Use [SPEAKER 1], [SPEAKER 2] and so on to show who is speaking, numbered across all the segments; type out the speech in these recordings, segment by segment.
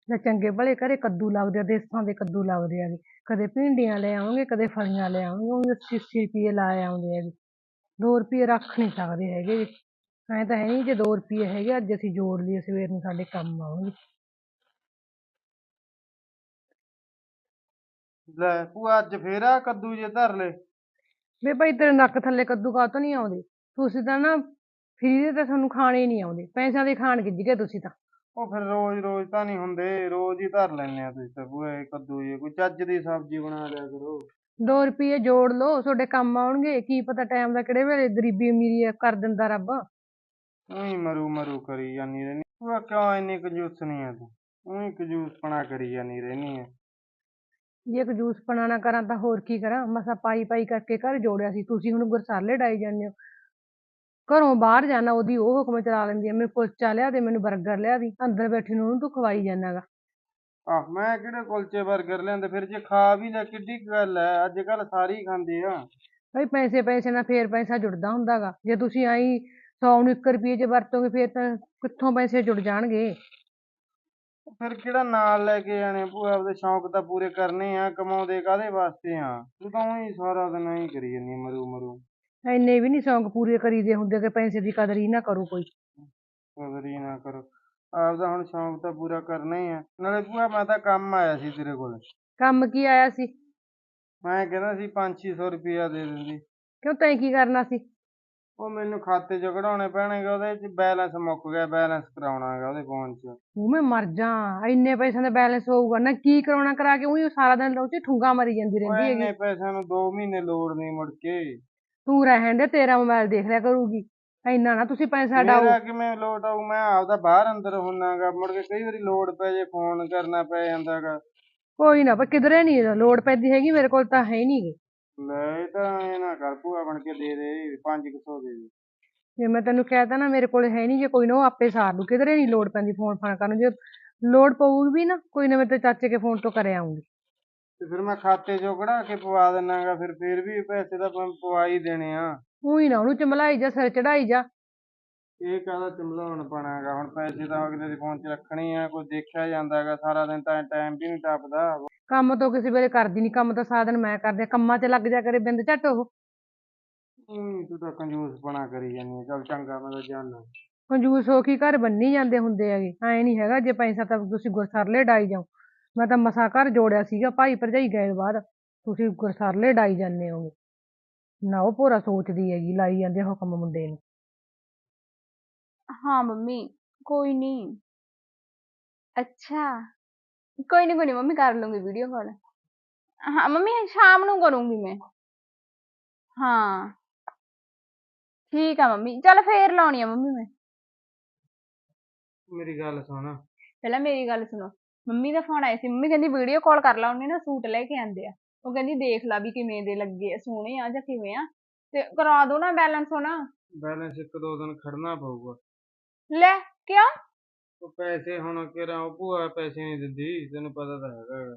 [SPEAKER 1] ਜਾਂ ਚੰਗੇ ਭਲੇ ਘਰੇ ਕੱਦੂ ਲੱਗਦੇ ਆ, ਦੇਸਾਂ ਦੇ ਕੱਦੂ ਲੱਗਦੇ ਹੈਗੇ। ਕਦੇ ਭਿੰਡੀਆਂ ਲੈ ਆਉਂਗੇ, ਕਦੇ ਫਲੀਆਂ ਲੈ ਆਉਂਗੇ, ਉਹ 80 ਰੁਪਏ ਲਾ ਆਉਂਦੇ ਹੈਗੇ। 2 ਰੁਪਏ ਰੱਖ ਨਹੀਂ ਸਕਦੇ ਹੈਗੇ। ਐਂ ਤਾਂ ਹੈ ਨਹੀਂ, ਜੇ 2 ਰੁਪਏ ਹੈਗੇ ਅੱਜ ਅਸੀਂ ਜੋੜ ਲਈਏ ਸਵੇਰ ਨੂੰ ਸਾਡੇ ਕੰਮ ਆਉਣਗੇ।
[SPEAKER 2] ਲੈ ਭੂਆ ਅੱਜ ਫੇਰ ਆ ਕੱਦੂ ਜੇ ਧਰ ਲੈ।
[SPEAKER 1] ਵੇ ਭਾਈ ਤੇਰੇ ਨੱਕ ਥੱਲੇ ਕੱਦੂ ਕਾਹਤੋਂ ਨਹੀਂ ਆਉਂਦੇ? ਤੁਸੀਂ ਤਾਂ ਨਾ ਫਰੀ ਦੇ ਤਾਂ ਤੁਹਾਨੂੰ ਖਾਣੇ ਨਹੀਂ ਆਉਂਦੇ, ਪੈਸਿਆਂ ਦੇ ਖਾਣ ਗਿੱਝ ਗਏ ਤੁਸੀਂ ਤਾਂ।
[SPEAKER 2] ਉਹ ਫਿਰ ਰੋਜ਼ ਰੋਜ਼ ਤਾਂ ਨਹੀਂ ਹੁੰਦੇ, ਰੋਜ਼ ਹੀ ਧਰ ਲੈਨੇ ਆ ਤੁਸੀਂ ਤਾਂ ਭੂਆ ਇਹ ਕੱਦੂ ਜੇ। ਕੋਈ ਚੱਜ ਦੀ ਸਬਜ਼ੀ ਬਣਾ ਲਿਆ ਕਰੋ।
[SPEAKER 1] 2 ਰੁਪਏ ਜੋੜ ਲਓ, ਤੁਹਾਡੇ ਕੰਮ ਆਉਣਗੇ। ਕੀ ਪਤਾ ਟਾਈਮ ਦਾ ਕਿਹੜੇ ਵੇਲੇ ਗਰੀਬੀ ਅਮੀਰੀ ਕਰ ਦਿੰਦਾ ਰੱਬ।
[SPEAKER 2] ਉਹੀ ਮਰੂ ਮਰੂ ਕਰੀ ਜਾਨੀ ਰਹਿਨੀ ਭੂਆ, ਕਿਉਂ ਇੰਨੀ ਕੰਜੂਸ ਨਹੀਂ ਆ ਤੂੰ? ਉਹੀ ਕੰਜੂਸਪਣਾ ਕਰੀ ਜਾਨੀ ਰਹਿਨੀ ਆ।
[SPEAKER 1] ਜੇ ਕੰਜੂਸਪਣਾ ਨਾ ਕਰਾਂ ਤਾਂ ਹੋਰ ਕੀ ਕਰਾਂ? ਮਸਾਂ ਪਾਈ ਪਾਈ ਕਰਕੇ ਘਰ ਜੋੜਿਆ ਸੀ, ਤੁਸੀਂ ਹੁਣ ਗੁਰਸਾਲੇ ਡਾਈ ਜਾਂਦੇ ਹੋ। ਘਰੋਂ ਬਾਹਰ ਜਾਣਾ ਉਹਦੀ ਉਹ ਹੁਕਮ ਚਲਾ ਲੈਂਦੀ ਆ, ਮੈਨੂੰ ਕੁਲਚਾ ਲਿਆ ਦੇ, ਮੈਨੂੰ ਬਰਗਰ ਲਿਆ ਦੀ। ਅੰਦਰ ਬੈਠੀ ਨੂੰ ਉਹਨੂੰ ਤੂੰ ਖਵਾਈ ਜਾਂਦਾ ਗਾ।
[SPEAKER 2] ਆਹ ਮੈਂ ਕਿਹੜੇ ਕੁਲਚੇ ਬਰਗਰ ਲਿਆਂਦੇ? ਫਿਰ ਜੇ ਖਾ ਵੀ ਲੈ ਕਿੱਡੀ ਕੁ ਗੱਲ ਐ, ਅੱਜ ਕੱਲ ਸਾਰੇ ਹੀ ਖਾਂਦੇ ਆ।
[SPEAKER 1] ਭਾਈ ਪੈਸੇ ਪੈਸੇ ਨਾਲ ਫੇਰ ਪੈਸਾ ਜੁੜਦਾ ਹੁੰਦਾ ਗਾ। ਜੇ ਤੁਸੀਂ ਆਈ 100 ਨੂੰ 1 ਰੁਪਏ ਚ ਵਰਤੋਗੇ ਫੇਰ ਤਾਂ ਕਿੱਥੋਂ ਪੈਸੇ ਜੁੜ ਜਾਣਗੇ?
[SPEAKER 2] ਫਿਰ ਕਿਹੜਾ ਨਾਲ ਲੈ ਕੇ ਜਾਣੇ ਭੂਆ? ਆਪਦੇ ਸ਼ੌਂਕ ਤਾਂ ਪੂਰੇ ਕਰਨੇ ਆ, ਕਮਾਉਂਦੇ ਕਾਹਦੇ ਵਾਸਤੇ ਆ? ਤੂੰ ਤਾਂ ਉਹੀ ਸਾਰਾ ਦਿਨ ਐਂ ਕਰੀ ਜਾਂਦੀ ਮਰੂ ਮਰੂ।
[SPEAKER 1] ਇੰਨੇ ਵੀ ਨੀ ਸ਼ੌਂਕ ਪੂਰੇ ਕਰੀਦੇ ਹੁੰਦੇ ਕਿ ਪੈਸੇ ਦੀ ਕਦਰ ਹੀ ਨਾ ਕਰੂ ਕੋਈ।
[SPEAKER 2] ਕਦਰ ਹੀ ਨਾ ਕਰੋ। ਆਪਦਾ ਹੁਣ ਸ਼ੌਂਕ ਤਾਂ ਪੂਰਾ ਕਰਨਾ ਹੀ ਆ। ਨਾਲੇ ਭੂਆ ਮੈਂ ਤਾਂ ਕੰਮ ਆਇਆ ਸੀ ਤੇਰੇ ਕੋਲ।
[SPEAKER 1] ਕੰਮ ਕੀ ਆਇਆ ਸੀ?
[SPEAKER 2] ਮੈਂ ਕਹਿੰਦਾ ਸੀ 500-600 ਰੁਪਇਆ ਦੇ ਦਿੰਦੀ।
[SPEAKER 1] ਕਿਉਂ ਤੈਂ ਕੀ ਕਰਨਾ ਸੀ?
[SPEAKER 2] ਉਹ ਮੈਨੂੰ ਖਾਤੇ ਚ ਕਢਾਉਣੇ ਪੈਣਗੇ, ਉਹਦੇ ਚ ਬੈਲੈਂਸ ਮੁੱਕ ਗਿਆ, ਬੈਲੈਂਸ ਕਰਾਉਣਾ ਹੈਗਾ ਉਹਦੇ ਫੋਨ ਚ।
[SPEAKER 1] ਉਹ ਮੈਂ ਮਰ ਜਾ, ਇੰਨੇ ਪੈਸਿਆਂ ਦਾ ਬੈਲੈਂਸ ਹੋਊਗਾ ਨਾ? ਕੀ ਕਰਾਉਣਾ ਕਰਾ ਕੇ ਉਹੀ ਸਾਰਾ ਦਿਨ ਉਹ ਚ ਠੁੰਗਾ ਮਰੀ ਜਾਂਦੀ
[SPEAKER 2] ਉਹ
[SPEAKER 1] ਰਹਿੰਦੀ ਹੈਗੀ।
[SPEAKER 2] ਇੰਨੇ ਪੈਸਿਆਂ ਨੂੰ 2 ਮਹੀਨੇ ਲੋੜ ਨਹੀਂ ਮੁੜ ਕੇ।
[SPEAKER 1] ਤੂੰ ਰਹਿਣ ਦੇ, ਤੇਰਾ ਮੋਬਾਈਲ ਦੇਖ ਲਿਆ ਕਰੂਗੀ। ਇੰਨਾ ਨਾ ਤੁਸੀਂ ਪੈਸਾ ਡਾਓ।
[SPEAKER 2] ਮੇਰਾ ਕਿਵੇਂ ਲੋਟ ਆਊ? ਮੈਂ ਆਪਦਾ ਬਾਹਰ ਅੰਦਰ ਹੁੰਨਾਗਾ, ਮੁੜ ਕੇ ਕਈ ਵਾਰੀ ਲੋੜ ਪੈ ਜੇ ਫੋਨ ਕਰਨਾ ਪੈ ਜਾਂਦਾਗਾ।
[SPEAKER 1] ਕੋਈ ਨਾ, ਪਰ ਕਿਧਰੇ ਨੀ ਲੋੜ ਪੈਂਦੀ ਹੈਗੀ, ਮੇਰੇ ਕੋਲ ਤਾਂ ਹੈ ਨੀ ਗੇ।
[SPEAKER 2] ਲੈ ਇਹ ਤਾਂ ਇਹ ਨਾ ਕਰ ਭੂਆ, ਬਣ ਕੇ ਦੇ ਦੇ 500 ਦੇ ਦੇ।
[SPEAKER 1] ਜੇ ਮੈਂ ਤੈਨੂੰ ਕਹਿ ਤਾ ਨਾ ਮੇਰੇ ਕੋਲ ਹੈ ਨੀ, ਜੇ ਕੋਈ ਨਾ ਉਹ ਆਪੇ ਸਾਰ ਲੂ। ਕਿਧਰੇ ਨੀ ਲੋੜ ਪੈਂਦੀ ਫੋਨ ਫਾਨ ਕਰਨ। ਜੇ ਲੋੜ ਪਊਗੀ ਵੀ ਨਾ, ਕੋਈ ਨਾ, ਮੈਂ ਤੇ ਚਾਚੇ ਕੇ ਫੋਨ ਤੋਂ ਕਰ ਆਉਂਗੀ।
[SPEAKER 2] ਤੇ ਫਿਰ ਮੈਂ ਖਾਤੇ ਚੋਂ ਕਢਾ ਕੇ ਪਵਾ ਦਿੰਨਾਗਾ। ਫਿਰ ਵੀ ਪੈਸੇ ਤਾਂ ਮੈਂ ਪਵਾ ਹੀ ਦੇਣੇ ਆ।
[SPEAKER 1] ਉਹੀ ਨਾ ਉਹਨੂੰ ਚਮਲਾਈ ਜਾ, ਸਿਰ ਚੜਾਈ ਜਾ।
[SPEAKER 2] ਇਹ ਕਾਹਦਾ ਚਮਲਾਉਣ ਪੈਣਾ ਹੈਗਾ? ਹੁਣ ਪੈਸੇ ਤਾਂ ਅਗਲੇ ਦੇ ਫੋਨ 'ਚ ਰੱਖਣੇ ਆ, ਕੋਈ ਦੇਖਿਆ ਜਾਂਦਾ ਹੈਗਾ। ਸਾਰਾ ਦਿਨ ਤਾਂ ਟਾਈਮ ਵੀ ਨਹੀਂ ਟੱਪਦਾ।
[SPEAKER 1] ਕੰਮ ਤੋਂ ਕਿਸੇ ਵੇਲੇ ਕਰਦੀ ਨੀ, ਕੰਮ ਤਾਂ ਸਾਰਾ ਦਿਨ ਮੈਂ ਕਰਦੀ ਆ। ਕੰਮਾਂ 'ਚ ਲੱਗ ਜਾ ਕਰੇ ਬਿੰਦ ਝੱਟ ਉਹ।
[SPEAKER 2] ਤੂੰ ਤਾਂ ਕੰਜੂਸਪਣਾ ਕਰੀ ਜਾਂਦੀ ਆ। ਚੱਲ ਚੰਗਾ, ਮੈਂ ਤਾਂ ਜਾਨਾ।
[SPEAKER 1] ਕੰਜੂਸ ਹੋ ਕੇ ਘਰ ਬੰਨੀ ਜਾਂਦੇ ਹੁੰਦੇ ਹੈਗੇ। ਐਂ ਨੀ ਹੈਗਾ ਜੇ ਪੈਸਾ ਤਾਂ ਤੁਸੀਂ ਗੁਰਸਰਲੇ ਡਾਈ ਜਾਓ। ਮੈਂ ਤਾਂ ਮਸਾਂ ਘਰ ਜੋੜਿਆ ਸੀਗਾ, ਭਾਈ ਭਰਜਾਈ ਗਏ ਬਾਹਰ, ਤੁਸੀਂ ਗੁਰਸਰਲੇ ਡਾਈ ਜਾਂਦੇ ਹੋਗੇ। ਨਾ ਉਹ ਭੋਰਾ ਸੋਚਦੀ ਹੈਗੀ, ਲਾਈ ਜਾਂਦੇ ਹੁਕਮ ਮੁੰਡੇ ਨੂੰ।
[SPEAKER 3] हाँ मम्मी, कोई नहीं। अच्छा, कोई नहीं मम्मी, कर लूंगी वीडियो कॉल। हाँ मम्मी, शाम ਨੂੰ करूंगी मैं। हाँ ठीक है मम्मी, चल फिर लाउणी आ मम्मी मैं।
[SPEAKER 2] ਮੇਰੀ ਗੱਲ ਸੁਣ।
[SPEAKER 3] ਪਹਿਲਾਂ ਮੇਰੀ ਗੱਲ ਸੁਣੋ। ਮੰਮੀ ਦਾ ਫੋਨ ਆਇਆ ਸੀ, ਮੰਮੀ ਕਹਿੰਦੀ ਵੀਡੀਓ ਕਾਲ ਕਰ ਲਾ, ਉਹਨੇ ਨਾ ਸੂਟ ਲੈ ਕੇ ਆਂਦੇ ਆ। ਉਹ ਕਹਿੰਦੀ ਦੇਖ ਲਾ ਵੀ ਕਿਵੇਂ ਦੇ ਲੱਗੇ ਆ, ਸੋਹਣੇ ਆ ਜਾਂ ਕਿਵੇਂ ਆ, ਤੇ ਕਰਾ ਦੋ ਨਾ ਬੈਲੈਂਸ ਹੁਣ।
[SPEAKER 2] ਬੈਲੈਂਸ 1-2 ਦਿਨ ਖੜਨਾ ਪਊਗਾ।
[SPEAKER 3] ਲੈ ਕਿਉਂ?
[SPEAKER 2] ਉਹ ਪੈਸੇ ਹੁਣ ਕਿਹੜਾ ਉਹ ਭੂਆ ਪੈਸੇ ਨਹੀਂ ਦਿੰਦੀ, ਤੈਨੂੰ ਪਤਾ ਤਾਂ ਹੈਗਾ।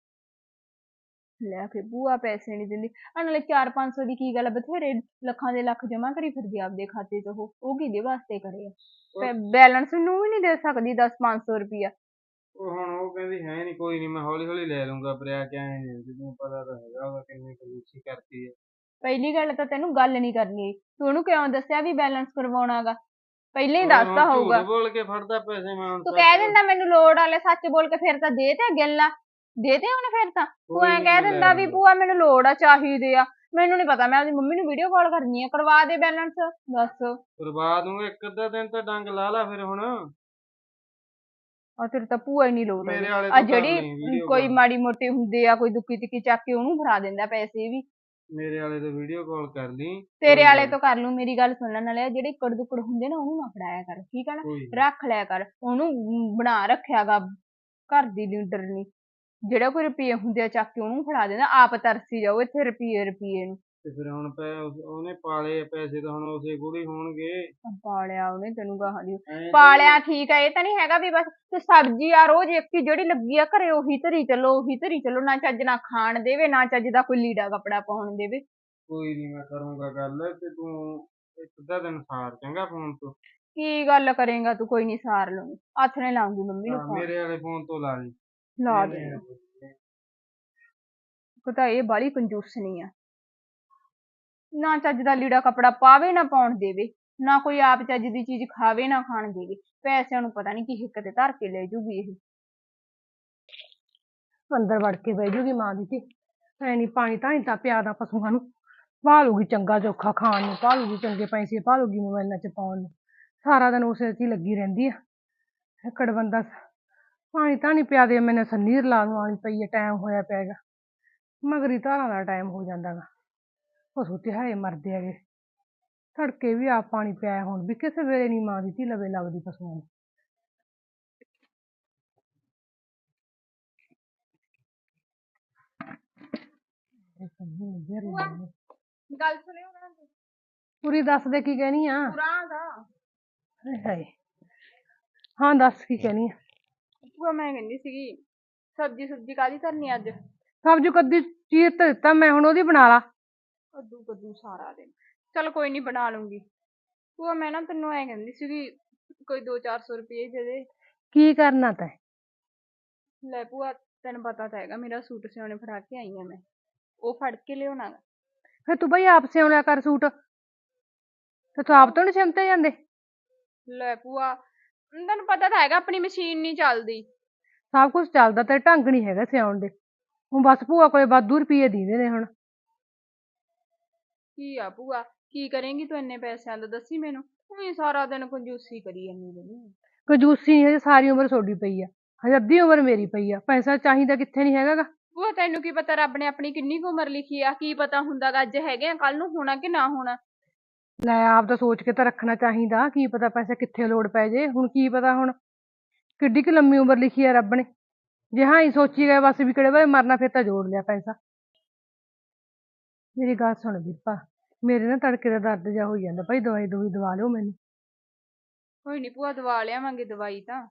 [SPEAKER 3] ਲੈ ਫਿਰ ਭੂਆ ਪੈਸੇ ਨਹੀਂ ਦਿੰਦੀ। ਆ ਨਾਲੇ 400-500 ਦੀ ਕੀ ਗੱਲ ਆ, ਬਥੇਰੇ ਲੱਖਾਂ ਦੇ ਲੱਖ ਜਮਾ ਕਰੀ ਫਿਰਦੀ ਆ ਆਪਦੇ ਖਾਤੇ 'ਚ। ਉਹ ਕਿਹਦੇ ਵਾਸਤੇ ਕਰੇ ਆ? ਬੈਲੈਂਸ ਨੂੰ ਵੀ ਨਹੀਂ ਦੇ ਸਕਦੀ 10-500 ਰੁਪਇਆ।
[SPEAKER 2] ਉਹ ਹੁਣ ਉਹ ਕਹਿੰਦੀ ਹੈ ਨਹੀਂ, ਕੋਈ ਨਹੀਂ ਮੈਂ ਹੌਲੀ ਹੌਲੀ ਲੈ ਲੂੰਗਾ। ਬਰਿਆ ਕਿ ਐਂ ਨੀ, ਤੈਨੂੰ ਪਤਾ ਤਾਂ ਹੈਗਾ ਉਹਦਾ ਕਿੰਨੀ ਕੰਜੂਸੀ ਕਰਦੀ ਹੈ।
[SPEAKER 3] ਪਹਿਲੀ ਗੱਲ ਤਾਂ ਤੈਨੂੰ ਗੱਲ ਨਹੀਂ ਕਰਨੀ। ਤੂੰ ਉਹਨੂੰ ਕਿਉਂ ਦੱਸਿਆ ਵੀ ਬੈਲੈਂਸ ਕਰਵਾਉਣਾਗਾ? ਪਹਿਲਾਂ ਹੀ
[SPEAKER 2] ਹੋਰ
[SPEAKER 3] ਦੱਸਦਾ
[SPEAKER 2] ਹੁਣ ਝੂਠ
[SPEAKER 3] ਹੋਊਗਾ।
[SPEAKER 2] ਬੋਲ ਕੇ ਫੜਦਾ ਪੈਸੇ ਮੈਂ ਹੁਣ
[SPEAKER 3] ਤੂੰ
[SPEAKER 2] ਸੱਚ
[SPEAKER 3] ਕਹਿ ਦਿੰਦਾ ਮੈਨੂੰ ਲੋੜ ਵਾਲੇ, ਸੱਚ ਬੋਲ ਕੇ ਫਿਰ ਤਾਂ ਦੇ ਤੇ ਗੱਲਾਂ ਦੇ ਤੇ ਉਹਨੇ। ਫਿਰ ਤਾਂ ਤੂੰ
[SPEAKER 2] ਕੋਈ
[SPEAKER 3] ਐਂ
[SPEAKER 2] ਨੀ
[SPEAKER 3] ਕਹਿ
[SPEAKER 2] ਮੈਂ ਲੈ
[SPEAKER 3] ਦਿੰਦਾ ਵੀ
[SPEAKER 2] ਲੂੰਗਾ।
[SPEAKER 3] ਭੂਆ ਮੈਨੂੰ ਲੋੜ ਆ, ਚਾਹੀਦੇ ਆ। ਮੈਨੂੰ ਨਹੀਂ ਪਤਾ, ਮੈਂ ਆਪਦੀ ਮੰਮੀ ਨੂੰ ਵੀਡੀਓ ਕਾਲ ਕਰਨੀ ਆ, ਕਰਵਾ ਦੇ ਬੈਲੈਂਸ। ਦੱਸ।
[SPEAKER 2] ਕਰਵਾ ਦੂੰਗਾ, 1 ਅੱਧਾ ਦਿਨ ਤਾਂ ਡੰਗ ਲਾ ਲਾ ਫਿਰ ਹੁਣ।
[SPEAKER 3] ਆ ਤੇਰੇ ਤਾਂ ਭੂਆ ਹੀ ਨਹੀਂ ਲੋਟ
[SPEAKER 2] ਮੇਰੇ
[SPEAKER 3] ਆਉਂਦੀ।
[SPEAKER 2] ਵਾਲੇ
[SPEAKER 3] ਆ
[SPEAKER 2] ਤੋਂ ਕਰ
[SPEAKER 3] ਜਿਹੜੀ
[SPEAKER 2] ਲਈ ਵੀਡੀਓ
[SPEAKER 3] ਕੋਈ
[SPEAKER 2] ਕਾਲ।
[SPEAKER 3] ਮਾੜੀ ਮੋਟੀ ਹੁੰਦੀ ਆ, ਕੋਈ ਦੁੱਕੀ ਤਿੱਕੀ ਚੱਕ ਕੇ ਉਹਨੂੰ ਫੜਾ ਦਿੰਦਾ ਪੈਸੇ ਵੀ।
[SPEAKER 2] ਮੇਰੇ ਵਾਲੇ ਤੋਂ ਵੀਡੀਓ ਕਾਲ ਕਰ ਲਈ।
[SPEAKER 3] ਤੇਰੇ
[SPEAKER 2] ਕੋਈ
[SPEAKER 3] ਵਾਲੇ
[SPEAKER 2] ਗੱਲ
[SPEAKER 3] ਤੋਂ ਕਰ ਲੂ। ਮੇਰੀ ਗੱਲ ਸੁਣਨ ਵਾਲੇ ਜਿਹੜੇ ਇੱਕੜ ਦੁੱਕੜ ਹੁੰਦੇ ਨਾ, ਉਹਨੂੰ ਨਾ ਫੜਾਇਆ ਕਰ, ਠੀਕ ਆ ਨਾ?
[SPEAKER 2] ਕੋਈ ਨੀ।
[SPEAKER 3] ਰੱਖ ਲਿਆ ਕਰ ਉਹਨੂੰ। ਬਣਾ ਰੱਖਿਆਗਾ ਘਰ ਦੀ ਲੀਡਰ ਨੇ। ਜਿਹੜਾ ਕੋਈ ਰੁਪਈਏ ਹੁੰਦੇ ਆ ਚੱਕ ਕੇ ਉਹਨੂੰ ਫੜਾ ਦਿੰਦਾ, ਆਪ ਤਰਸੀ ਜਾਓ ਇੱਥੇ ਰੁਪਈਏ ਰੁਪਈਏ ਨੂੰ।
[SPEAKER 2] ਤੇ ਫਿਰ ਹੁਣ ਉਹਨੇ ਪਾਲੇ ਆ ਪੈਸੇ ਤਾਂ ਹੁਣ ਉਸੇ ਕੋਲ ਹੀ ਹੋਣਗੇ।
[SPEAKER 3] ਪਾਲਿਆ ਉਹਨੇ ਤੈਨੂੰ ਗਾਹਾਂ ਦੀ
[SPEAKER 2] ਐਂ ਤਾਂ
[SPEAKER 3] ਪਾਲਿਆ, ਠੀਕ ਆ। ਇਹ ਤਾਂ ਨਹੀਂ ਹੈਗਾ ਵੀ ਬਸ ਤੇ ਸਬਜ਼ੀ ਆ ਰੋਜ਼ ਇੱਕ ਹੀ ਜਿਹੜੀ ਲੱਗੀ ਆ ਘਰੇ ਉਹੀ ਧਰੀ ਚੱਲੋ, ਉਹੀ ਧਰੀ ਚੱਲੋ। ਨਾ ਚੱਜ ਨਾ ਖਾਣ ਦੇਵੇ, ਨਾ ਚੱਜ ਦਾ ਕੋਈ ਲੀੜਾ ਕੱਪੜਾ ਪਾਉਣ ਦੇਵੇ।
[SPEAKER 2] ਕੋਈ ਨੀ ਮੈਂ ਕਰੂੰਗਾ ਗੱਲ, ਤੇ ਤੂੰ 1 ਅੱਧਾ ਦਿਨ ਸਾਰ ਚੰਗਾ ਫੋਨ ਤੋਂ।
[SPEAKER 3] ਕੀ ਗੱਲ ਕਰੇਗਾ ਤੂੰ? ਕੋਈ ਨਹੀਂ ਸਾਰ ਲੂੰਗੀ, ਹੱਥ ਨੇ ਲਾਉਂਗੀ ਮੰਮੀ ਨੂੰ ਫੋਨ।
[SPEAKER 2] ਮੇਰੇ ਵਾਲੇ ਫੋਨ ਤੋਂ ਲਾ ਲਈ।
[SPEAKER 3] ਲਾ ਦੇ। ਪਤਾ ਇਹ ਬਾਹਲੀ ਕੰਜੂਸਣੀ ਆ, ਨਾ ਚੱਜ ਦਾ ਲੀੜਾ ਕੱਪੜਾ ਪਾਵੇ ਨਾ ਪਾਉਣ ਦੇਵੇ, ਨਾ ਕੋਈ ਆਪ ਚੱਜ ਦੀ ਚੀਜ਼ ਖਾਵੇ ਨਾ ਖਾਣ ਦੇਵੇ। ਪੈਸਿਆਂ ਨੂੰ ਪਤਾ ਨਹੀਂ ਕੀ ਹਿੱਕ ਤੇ ਧਰ ਕੇ ਲੈ ਜੂਗੀ ਇਹ।
[SPEAKER 1] ਅੰਦਰ ਵੜ ਕੇ ਬਹਿ ਜੂਗੀ ਮਾਂ ਦੀ ਧੀ। ਐ ਨੀ ਪਾਣੀ ਧਾਣੀ ਤਾਂ ਪਿਆ ਦਾ ਪਸ਼ੂਆਂ ਨੂੰ, ਭਾਲੂਗੀ ਚੰਗਾ ਚੋਖਾ ਖਾਣ ਨੂੰ, ਭਾਲੂਗੀ ਚੰਗੇ ਪੈਸੇ, ਭਾਲੂਗੀ ਮੋਬਾਈਲਾਂ 'ਚ ਪਾਉਣ ਨੂੰ। ਸਾਰਾ ਦਿਨ ਉਸੇ 'ਚ ਹੀ ਲੱਗੀ ਰਹਿੰਦੀ ਆ। ਹਿੱਕੜ ਬੰਦਾ ਪਾਣੀ ਧਾਣੀ ਪਿਆ ਦੇ, ਮੈਨੇ ਸੰਨੀ ਰਲਾ ਨੂੰ ਆਉਣੀ ਪਈ ਆ, ਟਾਈਮ ਹੋਇਆ ਪਿਆ ਗਾ। ਮਗਰੀ ਧਾਰਾਂ ਦਾ ਟਾਈਮ ਹੋ ਜਾਂਦਾ ਗਾ, ਪਸ਼ੂ ਤਿਹਾਏ ਮਰਦੇ ਹੈਗੇ। ਤੜਕੇ ਵੀ ਆਪ ਪਾਣੀ ਪਿਆਇਆ, ਹੁਣ ਵੀ ਕਿਸੇ ਵੇਲੇ ਨੀ ਮਾਂ ਦੀ ਧੀ ਲਵੇ ਲੱਗਦੀ ਪਸ਼ੂਆਂ ਨੂੰ।
[SPEAKER 3] ਗੱਲ ਸੁਣਿਓ ਨਾ,
[SPEAKER 1] ਪੂਰੀ ਦੱਸ ਦੇ ਕੀ ਕਹਿਣੀ ਆ।
[SPEAKER 3] ਪੁਰਾਣਾ ਦਾ
[SPEAKER 1] ਹਾਏ ਹਾਏ, ਹਾਂ ਦੱਸ ਕੀ ਕਹਿਣੀ ਆ।
[SPEAKER 3] ਭੂਆ ਮੈਂ ਕਹਿੰਦੀ ਸੀਗੀ, ਸਬਜ਼ੀ ਸੁਬਜ਼ੀ ਕਾਹਦੀ ਧਰਨੀ ਅੱਜ?
[SPEAKER 1] ਸਬਜ਼ੀ ਕੱਦੀ ਚੀਰ ਤਾਂ ਦਿੱਤਾ ਮੈਂ, ਹੁਣ ਉਹਦੀ ਬਣਾ ਲਾ।
[SPEAKER 3] ਕੱਦੂ ਕੱਦੂ ਸਾਰਾ ਦਿਨ, ਚਲ ਕੋਈ ਨਹੀਂ ਬਣਾ ਲੂੰਗੀ। ਭੂਆ ਮੈਂ ਨਾ ਤੈਨੂੰ ਐ ਕਹਿੰਦੀ ਸੀਗੀ, ਕੋਈ 200-400 ਰੁਪਏ ਦੇ ਦੇ।
[SPEAKER 1] ਕੀ ਕਰਨਾ ਤੈਂ?
[SPEAKER 3] ਲੈ ਭੂਆ ਤੈਨੂੰ ਪਤਾ ਤਾਂ ਹੈਗਾ, ਮੇਰਾ ਸੂਟ ਸਿਉਣੇ ਫੜਾ ਕੇ ਆਈ ਆ ਮੈਂ, ਉਹ ਫੜ ਕੇ ਲਿਆਉਣਾ ਗਾ।
[SPEAKER 1] ਫਿਰ ਤੂੰ ਬਈ ਆਪ ਸਿਉਣਿਆ ਕਰ ਸੂਟ, ਤੇ ਤੂੰ ਆਪ ਤੋਂ ਨੀ ਸਿਮਤੇ ਜਾਂਦੇ?
[SPEAKER 3] ਲੈ ਭੂਆ ਤੈਨੂੰ ਪਤਾ ਤਾਂ ਹੈਗਾ ਆਪਣੀ ਮਸ਼ੀਨ ਨਹੀਂ ਚੱਲਦੀ।
[SPEAKER 1] ਸਭ ਕੁਝ ਚੱਲਦਾ, ਤੇ ਢੰਗ ਨੀ ਹੈਗਾ ਸਿਆਉਣ ਦੇ। ਹੁਣ ਬਸ ਭੂਆ ਕੋਲੇ ਵਾਧੂ ਰੁਪਈਏ ਦੀਦੇ ਨੇ ਹੁਣ।
[SPEAKER 3] ਕੀ ਆ ਭੂਆ, ਕੀ ਕਰੇਂਗੀ ਤੂੰ ਇੰਨੇ ਪੈਸਿਆਂ ਦਾ ਦੱਸੀ ਮੈਨੂੰ? ਤੂੰ ਸਾਰਾ ਦਿਨ ਕੰਜੂਸੀ ਕਰੀ ਜਾਂਦੀ ਰਹਿੰਦੀ।
[SPEAKER 1] ਕੰਜੂਸੀ ਨੀ, ਹਜੇ ਸਾਰੀ ਉਮਰ ਤੁਹਾਡੀ ਪਈ ਆ, ਹਜੇ ਅੱਧੀ ਉਮਰ ਮੇਰੀ ਪਈ ਆ। ਪੈਸਾ ਚਾਹੀਦਾ ਕਿੱਥੇ ਨੀ ਹੈਗਾ ਗਾ।
[SPEAKER 3] ਭੂਆ ਤੈਨੂੰ ਕੀ ਪਤਾ ਰੱਬ ਨੇ ਆਪਣੀ ਕਿੰਨੀ ਕੁ ਉਮਰ ਲਿਖੀ ਆ? ਕੀ ਪਤਾ ਹੁੰਦਾ ਗਾ ਅੱਜ ਹੈਗੇ ਆ ਕੱਲ ਨੂੰ ਹੋਣਾ ਕਿ ਨਾ ਹੋਣਾ।
[SPEAKER 1] ਲੈ ਆਪ ਤਾਂ ਸੋਚ ਕੇ ਤਾਂ ਰੱਖਣਾ ਚਾਹੀਦਾ, ਕੀ ਪਤਾ ਪੈਸੇ ਕਿੱਥੇ ਲੋੜ ਪੈ ਜੇ। ਹੁਣ ਕੀ ਪਤਾ, ਹੁਣ ਕਿੱਡੀ ਕੁ ਲੰਮੀ ਉਮਰ ਲਿਖੀ ਆ ਰੱਬ ਨੇ। ਜੇ ਹਾਂ ਹੀ ਸੋਚੀ ਗਏ ਬਸ ਵੀ ਕਿਹੜੇ ਵੇਲੇ ਮਰਨਾ, ਫਿਰ ਤਾਂ ਜੋੜ ਲਿਆ ਪੈਸਾ। ਮੇਰੀ ਗੱਲ ਸੁਣ ਵੀਰਪਾ, ਮੇਰੇ ਨਾ ਤੜਕੇ ਦਾ ਦਰਦ ਜਿਹਾ ਹੋਈ ਜਾਂਦਾ ਭਾਈ, ਦਵਾਈ ਦਵਾਈ ਦਵਾ ਲਿਓ ਮੈਨੂੰ।
[SPEAKER 3] ਕੋਈ ਨੀ ਭੂਆ ਦਵਾ ਲਿਆਵਾਂਗੇ ਦਵਾਈ ਤਾਂ।